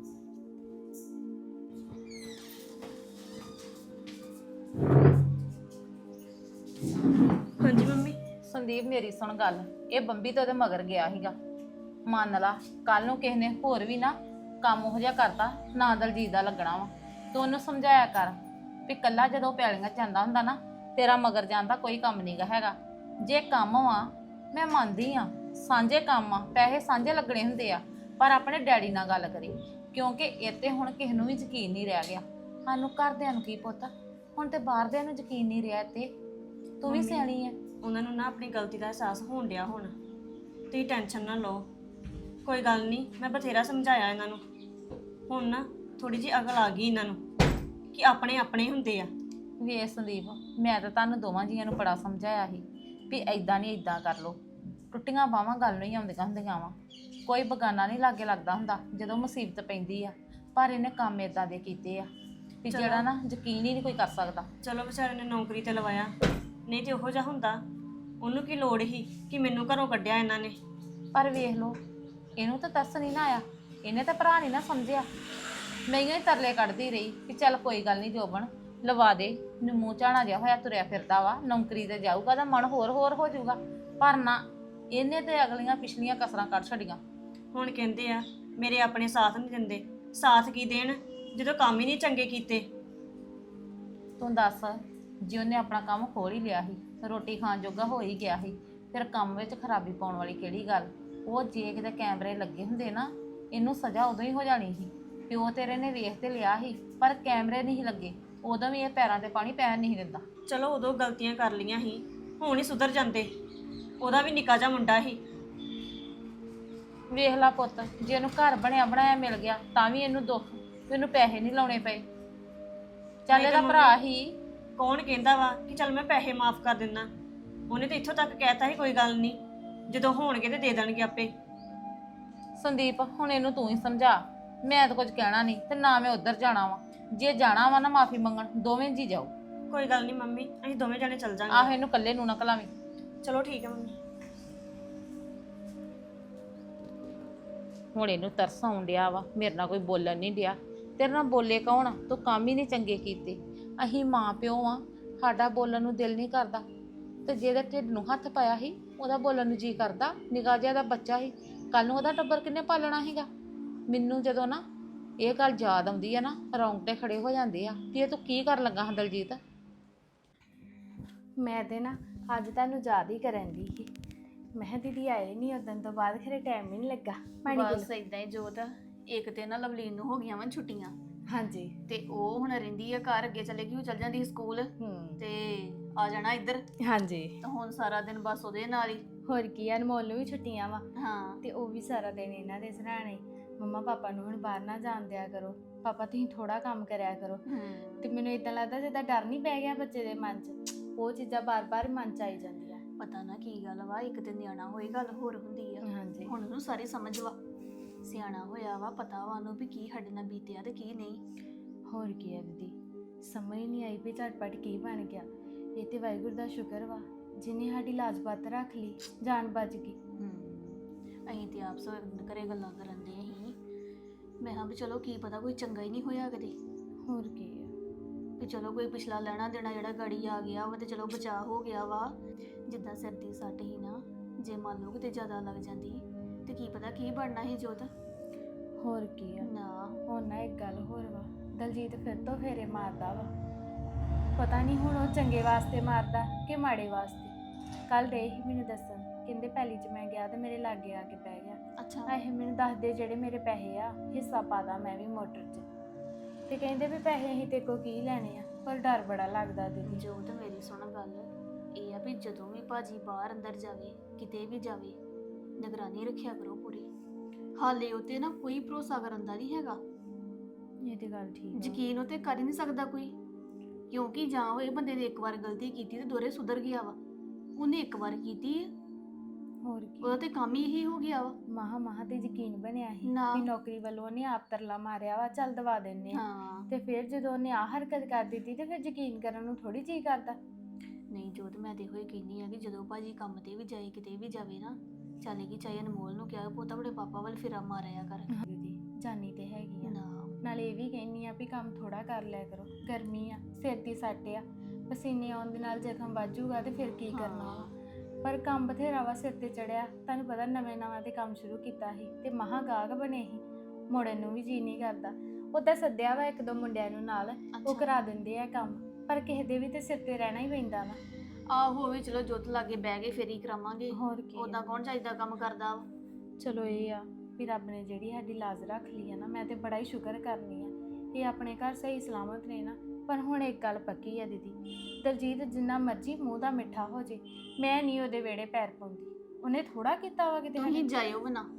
ਹਾਂਜੀ ਮੰਮੀ। ਸੰਦੀਪ ਮੇਰੀ ਸੁਣ ਗੱਲ, ਇਹ ਬੰਬੀ ਤੇ ਉਹਦੇ ਮਗਰ ਗਿਆ ਸੀਗਾ। ਮੰਨ ਲਾ ਕੱਲ ਨੂੰ ਕਿਸੇ ਨੇ ਹੋਰ ਵੀ ਨਾ ਕੰਮ ਉਹ ਜਿਹਾ ਕਰਤਾ, ਨਾ ਦਲਜੀਤ ਦਾ ਲੱਗਣਾ ਵਾ। ਤੂੰ ਉਹਨੂੰ ਸਮਝਾਇਆ ਕਰ ਵੀ ਕੱਲਾ ਜਦੋਂ ਪੈਲੀਆਂ ਜਾਂਦਾ ਹੁੰਦਾ ਨਾ, ਤੇਰਾ ਮਗਰ ਜਾਣ ਦਾ ਕੋਈ ਕੰਮ ਨਹੀਂਗਾ ਹੈਗਾ। ਜੇ ਕੰਮ ਵਾ ਮੈਂ ਮੰਨਦੀ ਆ, ਸਾਂਝੇ ਕੰਮ ਆ, ਪੈਸੇ ਸਾਂਝੇ ਲੱਗਣੇ ਹੁੰਦੇ ਆ, ਪਰ ਆਪਣੇ ਡੈਡੀ ਨਾਲ ਗੱਲ ਕਰੀ, ਕਿਉਂਕਿ ਇੱਥੇ ਹੁਣ ਕਿਸੇ ਨੂੰ ਵੀ ਯਕੀਨ ਨਹੀਂ ਰਹਿ ਗਿਆ। ਸਾਨੂੰ ਘਰਦਿਆਂ ਨੂੰ ਕੀ ਪੁੱਤ, ਹੁਣ ਤੇ ਬਾਹਰਦਿਆਂ ਨੂੰ ਯਕੀਨ ਨਹੀਂ ਰਿਹਾ ਇੱਥੇ। ਤੂੰ ਵੀ ਸਿਆਣੀ ਐ। ਉਹਨਾਂ ਨੂੰ ਨਾ ਆਪਣੀ ਗਲਤੀ ਦਾ ਅਹਿਸਾਸ ਹੋਣ ਡਿਆ ਹੁਣ। ਤੁਸੀਂ ਟੈਨਸ਼ਨ ਨਾ ਲਓ, ਕੋਈ ਗੱਲ ਨਹੀਂ, ਮੈਂ ਬਥੇਰਾ ਸਮਝਾਇਆ ਇਹਨਾਂ ਨੂੰ। ਹੁਣ ਨਾ ਥੋੜੀ ਜਿਹੀ ਅਕਲ ਆ ਗਈ ਇਹਨਾਂ ਨੂੰ ਕਿ ਆਪਣੇ ਆਪਣੇ ਹੁੰਦੇ ਆ। ਵੇ ਸੰਦੀਪ, ਮੈਂ ਤਾਂ ਤੁਹਾਨੂੰ ਦੋਵਾਂ ਜੀਆਂ ਨੂੰ ਬੜਾ ਸਮਝਾਇਆ ਸੀ ਵੀ ਐਦਾਂ ਨਹੀਂ ਐਦਾਂ ਕਰ ਲੋ। ਟੁੱਟੀਆਂ ਬਾਹਾਂ ਗੱਲ ਨਹੀਂ ਆਉਂਦੀਆਂ ਹੁੰਦੀਆਂ ਵਾ। ਕੋਈ ਬਗਾਨਾ ਨਹੀਂ ਲਾਗੇ ਲੱਗਦਾ ਹੁੰਦਾ ਜਦੋਂ ਮੁਸੀਬਤ ਪੈਂਦੀ ਆ। ਪਰ ਇਹਨੇ ਕੰਮ ਐਦਾਂ ਦੇ ਕੀਤੇ ਆ ਵੀ ਜਿਹੜਾ ਨਾ ਯਕੀਨ ਹੀ ਨਹੀਂ ਕੋਈ ਕਰ ਸਕਦਾ। ਚਲੋ ਵਿਚਾਰੇ ਨੇ ਨੌਕਰੀ ਤੇ ਲਵਾਇਆ, ਨਹੀਂ ਤੇ ਉਹੋ ਜਿਹਾ ਹੁੰਦਾ ਉਹਨੂੰ ਕੀ ਲੋੜ ਸੀ ਕਿ ਮੈਨੂੰ ਘਰੋਂ ਕੱਢਿਆ ਇਹਨਾਂ ਨੇ। ਪਰ ਵੇਖ ਲੋ, ਇਹਨੂੰ ਤਾਂ ਤਰਸ ਨਹੀਂ ਨਾ ਆਇਆ, ਇਹਨੇ ਤਾਂ ਭਰਾ ਨਹੀਂ ਨਾ ਸਮਝਿਆ। ਮੈਂ ਹੀ ਤਰਲੇ ਕੱਢਦੀ ਰਹੀ ਕਿ ਚੱਲ ਕੋਈ ਗੱਲ ਨਹੀਂ ਜੋਬਨ ਲਵਾ ਦੇ, ਮੂੰਹ ਝਾਣਾ ਜਿਹਾ ਹੋਇਆ ਤੁਰਿਆ ਫਿਰਦਾ ਵਾ, ਨੌਕਰੀ ਤੇ ਜਾਊਗਾ ਤਾਂ ਮਨ ਹੋਰ ਹੋਰ ਹੋ ਜਾਊਗਾ। ਪਰ ਨਾ, ਇਹਨੇ ਤੇ ਅਗਲੀਆਂ ਪਿਛਲੀਆਂ ਕਸਰਾਂ ਕੱਢ ਛੱਡੀਆਂ। ਹੁਣ ਕਹਿੰਦੇ ਆ ਮੇਰੇ ਆਪਣੇ ਸਾਥ ਨਹੀਂ ਦਿੰਦੇ। ਸਾਥ ਕੀ ਦੇਣ ਜਦੋਂ ਕੰਮ ਹੀ ਨਹੀਂ ਚੰਗੇ ਕੀਤੇ। ਤੂੰ ਦੱਸ, ਜੇ ਉਹਨੇ ਆਪਣਾ ਕੰਮ ਖੋਲ ਹੀ ਲਿਆ ਸੀ, ਰੋਟੀ ਖਾਣ ਜੋਗਾ ਹੋ ਹੀ ਗਿਆ ਸੀ, ਫਿਰ ਕੰਮ ਵਿੱਚ ਖਰਾਬੀ ਪਾਉਣ ਵਾਲੀ ਕਿਹੜੀ ਗੱਲ। ਉਹ ਜੇ ਕਿਤੇ ਕੈਮਰੇ ਲੱਗੇ ਹੁੰਦੇ ਨਾ, ਇਹਨੂੰ ਸਜ਼ਾ ਉਦੋਂ ਹੀ ਹੋ ਜਾਣੀ ਸੀ। ਪਿਓ ਤੇਰੇ ਨੇ ਵੇਖ ਤੇ ਲਿਆ ਸੀ, ਪਰ ਕੈਮਰੇ ਨਹੀਂ ਲੱਗੇ, ਉਦੋਂ ਵੀ ਇਹ ਪੈਰਾਂ ਤੇ ਪਾਣੀ ਪੈਣ ਨਹੀਂ ਦਿੰਦਾ। ਚਲੋ ਉਦੋਂ ਗਲਤੀਆਂ ਕਰ ਲਈਆਂ ਸੀ, ਹੁਣ ਹੀ ਸੁਧਰ ਜਾਂਦੇ। ਉਹਦਾ ਵੀ ਨਿੱਕਾ ਜਿਹਾ ਮੁੰਡਾ ਸੀ। ਵੇਖ ਲਾ ਪੁੱਤ, ਜੇ ਇਹਨੂੰ ਘਰ ਬਣਿਆ ਬਣਾਇਆ ਮਿਲ ਗਿਆ ਤਾਂ ਵੀ ਇਹਨੂੰ ਦੁੱਖ, ਇਹਨੂੰ ਪੈਸੇ ਨਹੀਂ ਲਾਉਣੇ ਪਏ। ਚੱਲ ਇਹਦਾ ਭਰਾ ਹੀ। ਕੌਣ ਕਹਿੰਦਾ ਵਾ ਕਿ ਚੱਲ ਮੈਂ ਪੈਸੇ ਮਾਫ ਕਰ ਦਿੰਦਾ। ਉਹਨੇ ਤਾਂ ਇੱਥੋਂ ਤੱਕ ਕਹਿਤਾ ਸੀ ਕੋਈ ਗੱਲ ਨਹੀਂ, ਜਦੋਂ ਹੋਣਗੇ ਤੇ ਦੇ ਦੇਣਗੇ ਆਪੇ। ਸੰਦੀਪ, ਹੁਣ ਇਹਨੂੰ ਤੂੰ ਹੀ ਸਮਝਾ। ਮੈਂ ਤਾਂ ਕੁਝ ਕਹਿਣਾ ਨਹੀਂ ਤੇ ਨਾ ਮੈਂ ਉੱਧਰ ਜਾਣਾ ਵਾ। ਜੇ ਜਾਣਾ ਵਾ ਨਾ ਮਾਫੀ ਮੰਗਣ, ਦੋਵੇਂ ਜੀ ਜਾਓ। ਕੋਈ ਗੱਲ ਨਹੀਂ ਮੰਮੀ, ਅਸੀਂ ਦੋਵੇਂ ਜਾਣੇ ਚੱਲ ਜਾਾਂਗੇ। ਆਹ ਇਹਨੂੰ ਇਕੱਲੇ ਨੂੰ ਨਾ ਘਲਾਵੀਂ। ਚਲੋ ਠੀਕ ਹੈ ਮੰਮੀ। ਹੁਣ ਇਹਨੂੰ ਤਰਸ ਆਉਣ ਡਿਆ ਵਾ, ਮੇਰੇ ਨਾਲ ਕੋਈ ਬੋਲਣ ਨਹੀਂ ਡਿਆ। ਤੇਰੇ ਨਾਲ ਬੋਲੇ ਕੌਣ? ਤੂੰ ਕੰਮ ਹੀ ਨਹੀਂ ਚੰਗੇ ਕੀਤੇ। ਅਸੀਂ ਮਾਂ ਪਿਓ ਆ, ਸਾਡਾ ਬੋਲਣ ਨੂੰ ਦਿਲ ਨਹੀਂ ਕਰਦਾ, ਤੇ ਜਿਹਦੇ ਢਿੱਡ ਨੂੰ ਹੱਥ ਪਾਇਆ ਸੀ ਉਹਦਾ ਬੋਲਣ ਨੂੰ ਜੀ ਕਰਦਾ। ਨਿੱਕਾ ਜਿਹਾ ਦਾ ਬੱਚਾ ਸੀ, ਕੱਲ ਨੂੰ ਉਹਦਾ ਟੱਬਰ ਕਿੰਨੇ ਪਾਲਣਾ ਸੀਗਾ। ਮੈਨੂੰ ਜਦੋਂ ਨਾ ਇਹ ਗੱਲ ਯਾਦ ਆਉਂਦੀ ਆ ਨਾ, ਰੌਂਗਟੇ ਖੜੇ ਹੋ ਜਾਂਦੇ ਆ ਕਿ ਇਹ ਤੂੰ ਕੀ ਕਰਨ ਲੱਗਾ ਹਾਂ ਦਲਜੀਤ। ਮੈਂ ਤੇ ਨਾ ਅੱਜ ਤੁਹਾਨੂੰ ਯਾਦ ਹੀ ਕਰਨ ਦੀ ਸੀ। ਮੈਂ ਕਿਹਾ ਦੀਦੀ ਆਏ ਨਹੀਂ ਉਦੋਂ ਤੋਂ ਬਾਅਦ ਖਰੇ ਟਾਈਮ ਹੀ ਨਹੀਂ ਲੱਗਾ। ਬਸ ਇਦਾਂ ਹੀ ਜੋਤ, ਇੱਕ ਤੇ ਨਾ ਲਵਲੀਨ ਨੂੰ ਹੋ ਗਈਆਂ ਵਾ ਛੁੱਟੀਆਂ, ਹਾਂਜੀ। ਤੇ ਉਹ ਹੁਣ ਰਹਿੰਦੀ ਆ ਘਰ। ਅੱਗੇ ਚਲੇ ਗਈ, ਉਹ ਚਲ ਜਾਂਦੀ ਸੀ ਸਕੂਲ ਤੇ ਆ ਜਾਣਾ ਇੱਧਰ। ਹਾਂਜੀ, ਤਾਂ ਹੁਣ ਸਾਰਾ ਦਿਨ ਬਸ ਉਹਦੇ ਨਾਲ ਹੀ। ਹੋਰ ਕੀ ਆ, ਅਨਮੋਲ ਨੂੰ ਵੀ ਛੁੱਟੀਆਂ ਵਾ ਹਾਂ, ਤੇ ਉਹ ਵੀ ਸਾਰਾ ਦਿਨ ਇਹਨਾਂ ਦੇ ਸਰਾਣੇ। ਮੰਮਾ ਪਾਪਾ ਨੂੰ ਹੁਣ ਬਾਹਰ ਨਾ ਜਾਣ ਦਿਆ ਕਰੋ, ਪਾਪਾ ਤੁਸੀਂ ਥੋੜਾ ਕੰਮ ਕਰਿਆ ਕਰੋ। ਤੇ ਮੈਨੂੰ ਇਦਾਂ ਲੱਗਦਾ ਜਿੱਦਾਂ ਡਰ ਨਹੀਂ ਪੈ ਗਿਆ ਬੱਚੇ ਦੇ ਮਨ 'ਚ, ਉਹ ਚੀਜ਼ਾਂ ਬਾਰ-ਬਾਰ ਮਨ 'ਚ ਆਈ ਜਾਂਦੀਆਂ। ਪਤਾ ਨਾ ਕੀ ਗੱਲ ਵਾ, ਇੱਕ ਤੇ ਨਿਆਣਾ ਹੋਏ ਗੱਲ ਹੋਰ ਹੁੰਦੀ ਆ। ਹਾਂਜੀ, ਹੁਣ ਉਹਨੂੰ ਸਾਰੀ ਸਮਝ ਵਾ, ਸਿਆਣਾ ਹੋਇਆ ਵਾ, ਪਤਾ ਵਾ ਉਹਨੂੰ ਵੀ ਕੀ ਸਾਡੇ ਨਾਲ ਬੀਤਿਆ ਤੇ ਕੀ ਨਹੀਂ। ਹੋਰ ਕੀ ਆ ਦੀਦੀ, ਸਮਝ ਹੀ ਨਹੀਂ ਆਈ ਵੀ ਝਟਪਟ ਕੀ ਬਣ ਗਿਆ। ਇਹ ਤੇ ਵਾਹਿਗੁਰੂ ਦਾ ਸ਼ੁਕਰ ਵਾ ਜਿਹਨੇ ਸਾਡੀ ਲਾਜ-ਬਾਤ ਰੱਖ ਲਈ, ਜਾਨ ਬਚ ਗਈ। ਅਸੀਂ ਤੇ ਆਪ ਘਰੇ ਗੱਲਾਂ ਕਰਨ ਦੇ ਸੀ। ਮੈਂ ਕਿਹਾ ਵੀ ਚਲੋ ਕੀ ਪਤਾ ਕੋਈ ਚੰਗਾ ਹੀ ਨਹੀਂ ਹੋਇਆ ਕਦੇ। ਹੋਰ ਕੀ ਆ, ਵੀ ਚਲੋ ਕੋਈ ਪਿਛਲਾ ਲੈਣਾ ਦੇਣਾ ਜਿਹੜਾ ਗਾੜੀ ਆ ਗਿਆ ਵਾ ਤੇ ਚਲੋ ਬਚਾਅ ਹੋ ਗਿਆ ਵਾ। ਜਿੱਦਾਂ ਸਿਰ ਦੀ ਸੱਟ ਹੀ ਨਾ, ਜੇ ਮੰਨ ਲਓ ਕਿਤੇ ਜ਼ਿਆਦਾ ਲੱਗ ਜਾਂਦੀ ਤੇ ਕੀ ਪਤਾ ਕੀ ਬਣਨਾ ਸੀ ਜੋਤ। ਹੋਰ ਕੀ ਆ। ਨਾ ਹੁਣ ਨਾ ਇੱਕ ਗੱਲ ਹੋਰ ਵਾ, ਦਲਜੀਤ ਫਿਰ ਤੋਂ ਫੇਰੇ ਮਾਰਦਾ ਵਾ। ਪਤਾ ਨਹੀਂ ਹੁਣ ਉਹ ਚੰਗੇ ਵਾਸਤੇ ਮਾਰਦਾ ਕਿ ਮਾੜੇ ਵਾਸਤੇ। ਕੱਲ ਦੇ ਹੀ ਮੈਨੂੰ ਦੱਸਣ, ਕਹਿੰਦੇ ਪਹਿਲੀ 'ਚ ਮੈਂ ਗਿਆ ਤੇ ਮੇਰੇ ਲਾਗੇ ਆ ਕੇ ਪੈ ਗਿਆ। ਅੱਛਾ, ਇਹ ਮੈਨੂੰ ਦੱਸਦੇ ਜਿਹੜੇ ਮੇਰੇ ਪੈਸੇ ਆ ਹਿੱਸਾ ਪਾਦਾ ਮੈਂ ਵੀ ਮੋਟਰ 'ਚ। ਤੇ ਕਹਿੰਦੇ ਵੀ ਪੈਸੇ ਅਸੀਂ ਤੇ ਕੋ ਕੀ ਲੈਣੇ ਆ, ਪਰ ਡਰ ਬੜਾ ਲੱਗਦਾ ਦੀਦੀ। ਜੋਤ ਮੇਰੀ ਸੁਣ ਗੱਲ, ਇਹ ਆ ਵੀ ਜਦੋਂ ਵੀ ਭਾਜੀ ਬਾਹਰ ਅੰਦਰ ਜਾਵੇ, ਕਿਤੇ ਵੀ ਜਾਵੇ, ਨਿਗਰਾਨੀ ਰੱਖਿਆ ਕਰੋ ਪੂਰੀ। ਹਾਲੇ ਉਤੇ ਨਾ ਕੋਈ ਭਰੋਸਾ ਕਰਨ ਦਾ ਨਹੀਂ ਹੈਗਾ। ਇਹ ਤੇ ਗੱਲ ਠੀਕ ਆ। ਯਕੀਨ ਉਤੇ ਕਰ ਹੀ ਨਹੀਂ ਸਕਦਾ ਕੋਈ, ਕਿਉਂਕਿ ਜਾਂ ਉਹ ਇਹ ਬੰਦੇ ਨੇ ਇੱਕ ਵਾਰ ਗਲਤੀ ਕੀਤੀ ਤੇ ਦੋਰੇ ਸੁਧਰ ਗਿਆ ਵਾ। ਉਹਨੇ ਇੱਕ ਵਾਰ ਕੀਤੀ ਹੈ, ਹੋਰ ਉਹਦਾ ਕੀ, ਤੇ ਕੰਮ ਹੀ ਇਹੀ ਹੋ ਗਿਆ ਵਾ। ਮਹਾ ਤੇ ਯਕੀਨ ਬਣਿਆ ਸੀ ਨਾ। ਵੀ ਨੌਕਰੀ ਵੱਲੋਂ ਉਹਨੇ ਆਪ ਤਰਲਾ ਮਾਰਿਆ ਵਾ, ਚੱਲ ਦਵਾ ਦਿੰਨੇ ਆ। ਹਾਂ ਤੇ ਫਿਰ ਜਦੋਂ ਉਹਨੇ ਆ ਹਰਕਤ ਕਰ ਦਿੱਤੀ ਤੇ ਫਿਰ ਯਕੀਨ ਕਰਨ ਨੂੰ ਥੋੜੀ ਜੀ ਕਰਦਾ। ਨਹੀਂ ਜੋਤ, ਮੈਂ ਤੇ ਹੋਈ ਕਹਿੰਦੀ ਆ ਕਿ ਜਦੋਂ ਭਾਜੀ ਕੰਮ ਤੇ ਵੀ ਜਾਏ ਕਿਤੇ ਵੀ ਜਾਵੇ ਨਾ, ਚੱਲ ਕਿ ਚਾਹੇ ਅਨਮੋਲ ਨੂੰ ਕਿਹਾ ਪੁੱਤ ਆਪਣੇ ਪਾਪਾ ਵੱਲ ਫਿਰਾ ਮਾਰਿਆ ਕਰ। ਦੀਦੀ ਜਾਨੀ ਤੇ ਹੈਗੀ ਆ, ਨਾ ਨਾਲੇ ਇਹ ਵੀ ਕਹਿੰਨੀ ਆ ਵੀ ਕੰਮ ਥੋੜਾ ਕਰ ਲਿਆ ਕਰੋ, ਗਰਮੀ ਆ, ਸਿਰ ਦੀ ਸੱਟ ਆ, ਪਸੀਨੇ ਆਉਣ ਦੇ ਨਾਲ ਜ਼ਖਮ ਵੱਜੂਗਾ ਤੇ ਫਿਰ ਕੀ ਕਰਨਾ ਵਾ। ਪਰ ਕੰਮ ਬਥੇਰਾ ਵਾ ਸਿਰ ਤੇ ਚੜਿਆ, ਤੁਹਾਨੂੰ ਪਤਾ ਨਵੇਂ ਤੇ ਕੰਮ ਸ਼ੁਰੂ ਕੀਤਾ ਸੀ ਤੇ ਮਹਾ ਗਾਹਕ ਬਣੇ ਸੀ, ਮੁੜਨ ਨੂੰ ਵੀ ਜੀ ਨਹੀਂ ਕਰਦਾ। ਉਹਦਾ ਸੱਦਿਆ ਵਾ ਇੱਕ ਦੋ ਮੁੰਡਿਆਂ ਨੂੰ ਨਾਲ, ਉਹ ਅੱਛਾ। ਕਰਾ ਦਿੰਦੇ ਆ ਕੰਮ, ਪਰ ਕਿਸੇ ਦੇ ਵੀ ਤੇ ਸਿਰ ਤੇ ਰਹਿਣਾ ਹੀ ਪੈਂਦਾ ਵਾ। ਆਹੋ ਵੀ ਚਲੋ ਜੋਤ ਲਾਗੇ ਬਹਿ ਕੇ ਫੇਰ ਹੀ ਕਰਾਵਾਂਗੇ, ਹੋਰ ਕੀ ਆ। ਉਦਾਂ ਕੌਣ ਚਾਹੀਦਾ ਕੰਮ ਕਰਦਾ ਵਾ। ਚਲੋ ਇਹ ਆ ਵੀ ਰੱਬ ਨੇ ਜਿਹੜੀ ਸਾਡੀ ਲਾਜ਼ ਰੱਖ ਲਈ ਆ ਨਾ, ਮੈਂ ਤੇ ਬੜਾ ਹੀ ਸ਼ੁਕਰ ਕਰਨੀ ਆ। ਇਹ ਆਪਣੇ ਘਰ ਸਹੀ ਸਲਾਮਤ ਨੇ ਨਾ। ਪਰ ਹੁਣ ਇੱਕ ਗੱਲ ਪੱਕੀ ਆ ਦੀਦੀ, ਦਲਜੀਤ ਜਿੰਨਾ ਮਰਜ਼ੀ ਮੂੰਹ ਦਾ ਮਿੱਠਾ ਹੋ ਜੇ, ਮੈਂ ਨਹੀਂ ਉਹਦੇ ਵਿਹੜੇ ਪੈਰ ਪਾਉਂਦੀ। ਉਹਨੇ ਥੋੜਾ ਕੀਤਾ ਵਾ ਕਿਤੇ ਤੁਸੀਂ ਜਾਇਓ ਵੀ ਨਾ,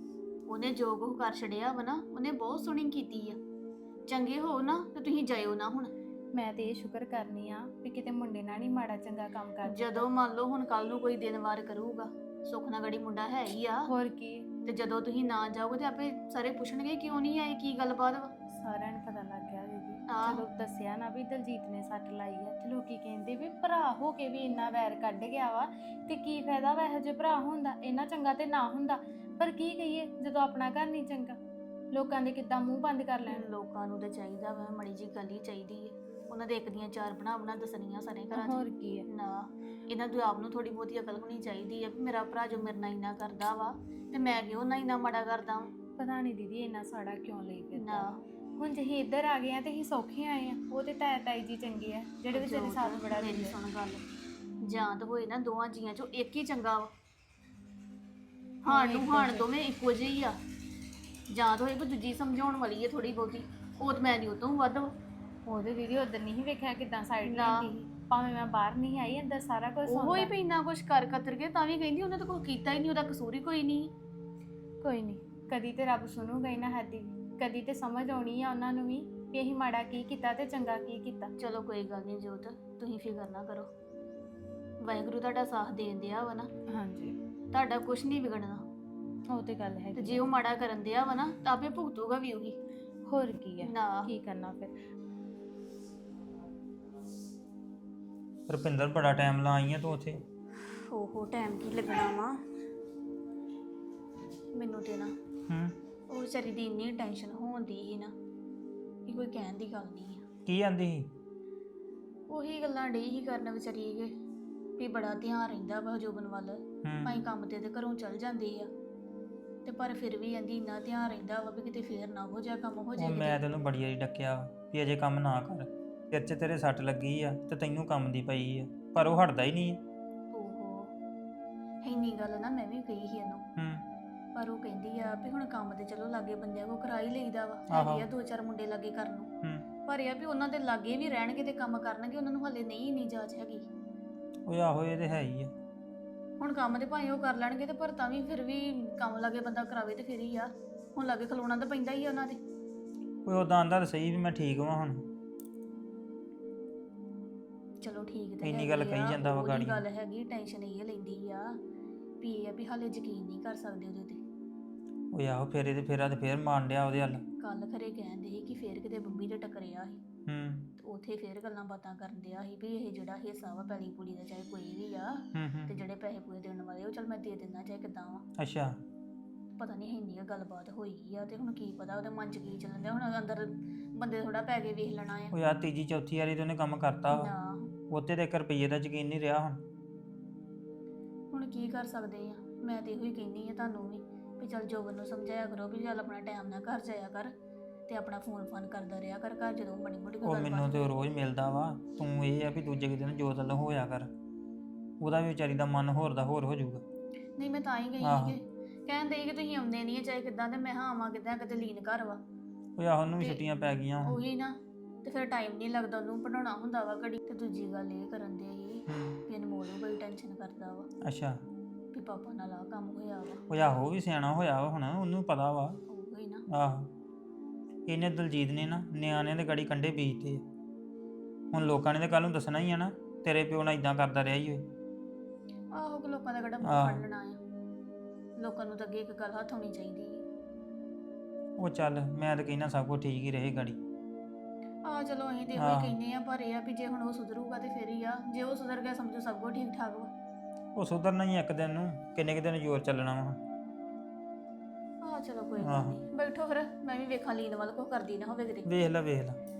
ਉਹਨੇ ਜੋ ਕੁਝ ਕਰ ਛੜਿਆ ਵਾ ਨਾ, ਉਹਨੇ ਬਹੁਤ ਸੋਹਣੀ ਕੀਤੀ ਆ। ਚੰਗੇ ਹੋ ਨਾ ਤੇ ਤੁਸੀਂ ਜਾਇਓ ਨਾ ਹੁਣ। ਮੈਂ ਤੇ ਇਹ ਸ਼ੁਕਰ ਕਰਨੀ ਆ ਵੀ ਕਿਤੇ ਮੁੰਡੇ ਨਾਲ ਨਹੀਂ ਮਾੜਾ ਚੰਗਾ ਕੰਮ ਕਰ ਦਿੱਤਾ। ਜਦੋਂ ਮੰਨ ਲਓ ਹੁਣ ਕੱਲ ਨੂੰ ਕੋਈ ਦਿਨ ਵਾਰ ਕਰੂਗਾ, ਸੁੱਖ ਨਾਲ ਗੜੀ ਮੁੰਡਾ ਹੈ ਹੀ ਆ, ਹੋਰ ਕੀ, ਤੇ ਜਦੋਂ ਤੁਸੀਂ ਨਾ ਜਾਓਗੇ ਤੇ ਆਪੇ ਸਾਰੇ ਪੁੱਛਣਗੇ ਕਿਉਂ ਨਹੀਂ ਆਏ, ਕੀ ਗੱਲਬਾਤ ਵਾ। ਸਾਰਿਆਂ ਨੂੰ ਪਤਾ ਲੱਗ ਗਿਆ ਦੀਦੀ। ਆਹ। ਜਦੋਂ ਦੱਸਿਆ ਨਾ ਵੀ ਦਲਜੀਤ ਨੇ ਸੱਟ ਲਾਈ ਆ ਤੇ ਲੋਕੀ ਕਹਿੰਦੇ ਵੀ ਭਰਾ ਹੋ ਕੇ ਵੀ ਇੰਨਾ ਵੈਰ ਕੱਢ ਗਿਆ ਵਾ, ਤੇ ਕੀ ਫਾਇਦਾ ਵਾ ਇਹੋ ਜਿਹੇ ਭਰਾ ਹੁੰਦਾ, ਇੰਨਾ ਚੰਗਾ ਤੇ ਨਾ ਹੁੰਦਾ। ਪਰ ਕੀ ਕਹੀਏ, ਜਦੋਂ ਆਪਣਾ ਘਰ ਨਹੀਂ ਚੰਗਾ, ਲੋਕਾਂ ਦੇ ਕਿੱਦਾਂ ਮੂੰਹ ਬੰਦ ਕਰ ਲੈਣ। ਲੋਕਾਂ ਨੂੰ ਤੇ ਚਾਹੀਦਾ ਵਾ ਮੜੀ ਜੀ ਗੱਲ ਹੀ ਚਾਹੀਦੀ ਹੈ, ਉਹਨਾਂ ਦੇ ਇੱਕ ਦੀਆਂ ਚਾਰ ਬਣਾ ਦੱਸਣੀਆਂ ਸਾਰੇ ਘਰਾਂ 'ਚ। ਹੋਰ ਕੀ ਹੈ, ਨਾ ਇਹਨਾਂ ਨੂੰ ਆਪ ਨੂੰ ਥੋੜੀ ਬਹੁਤੀ ਅਕਲ ਹੋਣੀ ਚਾਹੀਦੀ ਹੈ ਵੀ ਮੇਰਾ ਭਰਾ ਜੋ ਮੇਰੇ ਨਾਲ ਇੰਨਾ ਕਰਦਾ ਵਾ ਤੇ ਮੈਂ ਕਿਉਂ ਨਾ ਇੰਨਾ ਮਾੜਾ ਕਰਦਾ ਵਾਂ। ਪਤਾ ਨਹੀਂ ਦੀਦੀ ਇੰਨਾ ਸਾੜਾ ਕਿਉਂ ਲਈ ਫਿਰਦਾ। ਨਾ ਹੁਣ ਜੇ ਅਸੀਂ ਇੱਧਰ ਆ ਗਏ ਆ ਤੇ ਅਸੀਂ ਸੌਖੇ ਆਏ ਆ, ਉਹ ਤੇ ਤਾਈ ਜੀ ਚੰਗੇ ਆ ਜਿਹੜੇ ਵਿਚਾਰੇ ਸਾਥ ਬੜਾ ਮੇਰੀ ਦਿੰਦੇ ਆ। ਸੁਣ ਗੱਲ, ਜਾਂ ਤਾਂ ਹੋਏ ਨਾ ਦੋਵਾਂ ਜੀਆਂ ਚੋਂ ਇੱਕ ਹੀ ਚੰਗਾ ਵਾ, ਹਾਣ ਨੂੰ ਹਾਣ ਦੋਵੇਂ ਇੱਕੋ ਜਿਹੇ ਹੀ ਆ, ਜਾਂ ਤਾਂ ਹੋਏ ਕੋਈ ਦੂਜੀ ਸਮਝਾਉਣ ਵਾਲੀ ਹੈ ਥੋੜੀ ਬਹੁਤੀ, ਉਹ ਤਾਂ ਮੈਂ ਨਹੀਂ ਉਹ ਤੋਂ ਵੱਧ ਵਾ। ਉਹਦੇ ਦੀਦੀ ਉਧਰ ਨਹੀਂ ਵੇਖਿਆ ਕਿਦਾਂ ਸਾਈਡ ਨਾ। ਲੈਂਦੀ ਸੀ, ਭਾਵੇਂ ਮੈਂ ਬਾਹਰ ਨਹੀਂ ਆਈ, ਅੰਦਰ ਸਾਰਾ ਕੁਝ ਉਹ ਹੀ ਸੁਣਦਾ। ਵੀ ਇੰਨਾ ਕੁਛ ਕਰ ਕਤਰ ਕੇ ਤਾਂ ਵੀ ਕਹਿੰਦੀ ਉਹਨੇ ਤਾਂ ਕੋਈ ਕੀਤਾ ਹੀ ਨਹੀਂ, ਉਹਦਾ ਕਸੂਰ ਹੀ ਕੋਈ ਨਹੀਂ। ਕੋਈ ਨਹੀਂ, ਕਦੀ ਤੇ ਰੱਬ ਸੁਣੂਗਾ ਹੀ ਨਾ ਸਾਡੀ ਵੀ, ਕਦੀ ਤੇ ਸਮਝ ਆਉਣੀ ਆ ਉਹਨਾਂ ਨੂੰ ਵੀ ਅਸੀਂ ਮਾੜਾ ਕੀ ਕੀਤਾ ਤੇ ਚੰਗਾ ਕੀ ਕੀਤਾ। ਚਲੋ ਕੋਈ ਗੱਲ ਨਹੀਂ ਜੋਤ, ਤੁਸੀਂ ਫਿਕਰ ਨਾ ਕਰੋ, ਵਾਹਿਗੁਰੂ ਤੁਹਾਡਾ ਸਾਥ ਦੇਣ ਦਿਆ ਵਾ ਨਾ, ਹਾਂਜੀ, ਤੁਹਾਡਾ ਕੁਛ ਨਹੀਂ ਵਿਗੜਨਾ। ਉਹ ਤੇ ਗੱਲ ਹੈ। ਤੇ ਜੇ ਉਹ ਮਾੜਾ ਕਰਨ ਦਿਆ ਵਾ ਨਾ ਤਾਂ ਆਪੇ ਭੁਗਤੂਗਾ ਵੀ ਉਹੀ। ਹੋਰ ਕੀ ਹੈ, ਨਾ ਕੀ ਕਰਨਾ ਫਿਰ। ਰੁਪਿੰਦਰ ਬੜਾ ਟਾਈਮ ਲਾ ਆਈ ਆ ਤੂੰ ਉੱਥੇ। ਓਹੋ ਟਾਈਮ ਕੀ ਲੱਗਣਾ ਵਾ ਮੈਨੂੰ ਤੇ ਨਾ, ਉਹ ਵਿਚਾਰੀ ਦੀ ਇੰਨੀ ਟੈਨਸ਼ਨ ਹੋਉਂਦੀ ਸੀ ਨਾ ਕਿ ਕੋਈ ਕਹਿਣ ਦੀ ਗੱਲ ਨਹੀਂ ਆ। ਕੀ ਆਂਦੀ ਸੀ? ਉਹੀ ਗੱਲਾਂ ਡੇ ਹੀ ਕਰਨ ਵਿਚਾਰੀ ਕੇ ਵੀ ਬੜਾ ਧਿਆਨ ਰਹਿੰਦਾ ਵਾ ਜੋਬਨ ਵੱਲ, ਭਾਈ ਕੰਮ ਤੇ ਘਰੋਂ ਚਲ ਜਾਂਦੇ ਆ ਤੇ ਪਰ ਫਿਰ ਵੀ ਕਹਿੰਦੀ ਇੰਨਾ ਧਿਆਨ ਰਹਿੰਦਾ ਵਾ ਵੀ ਕਿਤੇ ਫੇਰ ਨਾ ਹੋ ਜਾ ਕੰਮ ਹੋ ਉਹ ਜਾਏ ਮੈਂ ਤੈਨੂੰ ਬੜੀ ਵਾਰੀ ਡੱਕਿਆ ਵਾ ਵੀ ਅਜੇ ਕੰਮ ਨਾ ਕਰ, ਸਿਰ 'ਚ ਤੇਰੇ ਸੱਟ ਲੱਗੀ ਆ ਤੇ ਤੈਨੂੰ ਕੰਮ ਦੀ ਪਈ ਆ, ਪਰ ਉਹ ਹਟਦਾ ਹੀ ਨਹੀਂ। ਓਹੋ ਇੰਨੀ ਗੱਲ ਨਾ ਮੈਂ ਵੀ ਕਹੀ ਸੀ ਇਹਨੂੰ, ਪਰ ਉਹ ਕਹਿੰਦੀ ਆ ਵੀ ਹੁਣ ਕੰਮ ਤੇ ਚਲੋ ਲਾਗੇ ਬੰਦਿਆਂ ਕੋ ਕਰਾ ਹੀ ਲਈਦਾ ਵਾ, ਹੈਗੇ ਆ ਦੋ ਚਾਰ ਮੁੰਡੇ ਲਾਗੇ ਕਰਨ ਨੂੰ, ਪਰ ਇਹ ਆ ਵੀ ਉਹਨਾਂ ਦੇ ਲਾਗੇ ਵੀ ਰਹਿਣਗੇ ਤੇ ਕੰਮ ਕਰਨਗੇ, ਉਹਨਾਂ ਨੂੰ ਹਲੇ ਨਹੀਂ ਇੰਨੀ ਜਾਚ ਹੈਗੀ। ਉਹ ਆਹੋ ਇਹ ਤੇ ਹੈ ਹੀ ਆ। ਹੁਣ ਕੰਮ ਤੇ ਭਾਵੇਂ ਉਹ ਕਰ ਲੈਣਗੇ ਤੇ ਪਰ ਤਾਂ ਵੀ ਫਿਰ ਵੀ ਕੰਮ ਲਾਗੇ ਬੰਦਾ ਕਰਾਵੇ ਤੇ ਫਿਰ ਹੀ ਆ, ਹੁਣ ਲਾਗੇ ਖਲੋਣਾ ਤਾਂ ਪੈਂਦਾ ਹੀ ਆ ਉਹਨਾਂ ਦੇ। ਕੋਈ ਉਦਾਂ ਆਂਦਾ ਤਾਂ ਸਹੀ ਵੀ ਮੈਂ ਠੀਕ ਵਾਂ ਹੁਣ। ਚਲੋ ਠੀਕ ਤੇ ਇੰਨੀ ਗੱਲ ਹੈਗੀ ਕਹੀ ਆ, ਜਾਂਦਾ ਵਾ ਉਹੀ ਗਾੜੀ। ਗੱਲ ਹੈਗੀ, ਟੈਨਸ਼ਨ ਇਹ ਲੈਂਦੀ ਆ ਵੀ ਇਹ ਆ ਵੀ ਹਾਲੇ ਯਕੀਨ ਨਹੀਂ ਕਰ ਸਕਦੇ ਉਹਦੇ ਤੇ। ਉਹ ਆਹੋ ਫੇਰੇ ਤੇ ਫੇਰ ਮਾਰਨ ਡਿਆ ਉਹਦੇ ਹੱਲ। ਕੱਲ ਖਰੇ ਕਹਿੰਦੇ ਸੀ ਕਿ ਫੇਰ ਕਿਤੇ ਬੰਬੀ ਦੇ ਟੱਕਰਿਆ ਸੀ ਤੇ ਉੱਥੇ ਫੇਰ ਗੱਲਾਂ ਬਾਤਾਂ ਕਰਨ ਡਿਆ ਸੀ ਵੀ ਇਹ ਜਿਹੜਾ ਹਿੱਸਾ ਵਾ ਪੈਲੀ ਪੂਲੀ ਦਾ ਚਾਹੇ ਕੋਈ ਵੀ ਆ ਤੇ ਜਿਹੜੇ ਪੈਸੇ ਪੂਏ ਦੇਣ ਵਾਲੇ ਉਹ ਚਲ ਮੈਂ ਦੇ ਦਿੰਦਾ ਚਾਹੇ ਕਿੱਦਾਂ ਵਾ। ਅੱਛਾ ਪਤਾ ਨਹੀਂ ਇੰਨੀ ਗੱਲਬਾਤ ਹੋਈ ਆ ਤੇ ਹੁਣ ਕੀ ਪਤਾ ਉਹਦੇ ਮਨ 'ਚ ਕੀ ਚੱਲਣ ਡਿਆ, ਹੁਣ ਅੰਦਰ ਬੰਦੇ ਥੋੜਾ ਪੈ ਕੇ ਵੇਖ ਲੈਣਾ ਆ। ਉਹ ਯਾਰ ਤੀਜੀ ਚੌਥੀ ਵਾਰੀ ਤੇ ਉਹਨੇ ਕੰਮ ਕਰਤਾ ਵਾ, ਨਾ ਉੱਤੇ ਤੇ 1 ਰੁਪਈਏ ਦਾ ਯਕੀਨ ਨਹੀਂ ਰਿਹਾ ਹੁਣ। ਹੁਣ ਕੀ ਕਰ ਸਕਦੇ ਆ, ਮੈਂ ਤੇ ਇਹੋ ਹੀ ਕਹਿੰਦੀ ਆ ਤੁਹਾਨੂੰ ਵੀ ਚੱਲ ਜੋਬਨ ਨੂੰ ਸਮਝਾਇਆ ਕਰੋ ਵੀ ਚੱਲ ਆਪਣਾ ਟਾਈਮ ਨਾਲ ਘਰ ਜਾਇਆ ਕਰ ਤੇ ਆਪਣਾ ਫੋਨ ਕਰਦਾ ਰਿਹਾ ਕਰ ਘਰ ਜਦੋਂ ਬਣੀ ਮੋਟੀ ਉਹ ਮੈਨੂੰ ਤੇ ਉਹ ਰੋਜ਼ ਮਿਲਦਾ ਵਾ, ਤੂੰ ਇਹ ਆ ਵੀ ਦੂਜੇ ਕੁ ਦਿਨ ਜੋਤ ਵੱਲੋਂ ਹੋਇਆ ਕਰ, ਉਹਦਾ ਵੀ ਵਿਚਾਰੀ ਦਾ ਮਨ ਹੋਰ ਦਾ ਹੋਰ ਹੋ ਜਾਊਗਾ। ਨਹੀਂ ਮੈਂ ਤਾਂ ਹੀ ਗਈ ਸੀ ਕਿ ਕਹਿੰਦੇ ਕਿ ਤੁਸੀਂ ਆਉਂਦੇ ਨਹੀਂ ਚਾਹੇ ਕਿੱਦਾਂ, ਤੇ ਮੈਂ ਹਾਂ ਆਵਾਂ ਕਿੱਦਾਂ, ਕਿਤੇ ਲੀਨ ਘਰ ਵਾ। ਉਹ ਆਹ ਉਹਨੂੰ ਵੀ ਛੁੱਟੀਆਂ ਪੈ ਗਈਆਂ। ਉਹੀ ਨਾ, ਤੇ ਫਿਰ ਟਾਈਮ ਨਹੀਂ ਲੱਗਦਾ ਉਹਨੂੰ ਪੜਾਉਣਾ ਹੁੰਦਾ ਵਾ ਘੜੀ। ਤੇ ਦੂਜੀ ਗੱਲ ਇਹ ਕਰਨ ਦੇ ਸੀ ਵੀ ਅਨਮੋਲ ਨੂੰ ਬੜੀ ਟੈਨਸ਼ਨ ਕਰਦਾ ਵਾ ਅੱਛਾ ਵੀ ਪਾਪਾ ਨਾਲ ਆ ਕੰਮ ਹੋਇਆ ਵਾ ਉਹ ਆਹੋ ਵੀ ਸਿਆਣਾ ਹੋਇਆ ਵਾ ਹੁਣ, ਉਹਨੂੰ ਪਤਾ ਵਾ। ਉਹ ਹੀ ਨਾ। ਆਹੋ ਇਹਨੇ ਦਲਜੀਤ ਨੇ ਨਾ ਨਿਆਣਿਆਂ ਦੇ ਗਾੜੀ ਕੰਡੇ ਬੀਜਤੇ ਆ। ਹੁਣ ਲੋਕਾਂ ਨੇ ਤਾਂ ਕੱਲ ਨੂੰ ਦੱਸਣਾ ਹੀ ਆ ਨਾ, ਤੇਰੇ ਪਿਓ ਨਾਲ ਇਦਾਂ ਕਰਦਾ ਰਿਹਾ ਹੀ ਓਏ। ਆਹੋ ਕਿ ਲੋਕਾਂ ਦਾ ਕਿਹੜਾ ਮੂੰਹ ਆਹ। ਫੜ ਲੈਣਾ ਆ, ਲੋਕਾਂ ਨੂੰ ਤਾਂ ਅੱਗੇ ਇੱਕ ਗੱਲ ਹੱਥ ਹੋਣੀ ਚਾਹੀਦੀ ਹੈ। ਉਹ ਚੱਲ ਮੈਂ ਤਾਂ ਕਹਿੰਦਾ ਸਭ ਕੁਝ ਠੀਕ ਹੀ ਰਹੇ ਗਾੜੀ। ਆ ਚਲੋ ਅਸੀਂ ਤੇ ਇਹੋ ਆਹ। ਹੀ ਕਹਿੰਦੇ ਆ, ਪਰ ਇਹ ਆ ਵੀ ਜੇ ਹੁਣ ਉਹ ਸੁਧਰੂਗਾ ਤੇ ਫਿਰ ਹੀ ਆ, ਜੇ ਉਹ ਸੁਧਰ ਗਿਆ ਸਮਝੋ ਸਭ ਕੁਝ ਠੀਕ ਠਾਕ ਵਾ। ਉਹ ਸੁਧਰਨਾ ਹੀ ਇੱਕ ਦਿਨ ਨੂੰ, ਕਿੰਨੇ ਕੁ ਦਿਨ ਜ਼ੋਰ ਚੱਲਣਾ ਵਾ। ਆ ਚਲੋ ਕੋਈ ਆਹ। ਗੱਲ ਨਹੀਂ, ਬੈਠੋ ਫਿਰ ਮੈਂ ਵੀ ਵੇਖਾਂ ਲੀਨ ਵੱਲ ਕੁਛ ਕਰਦੀ ਨਾ ਹੋਵੇ ਕਿਤੇ। ਵੇਖ ਲੈ ਵੇਖ ਲੈ।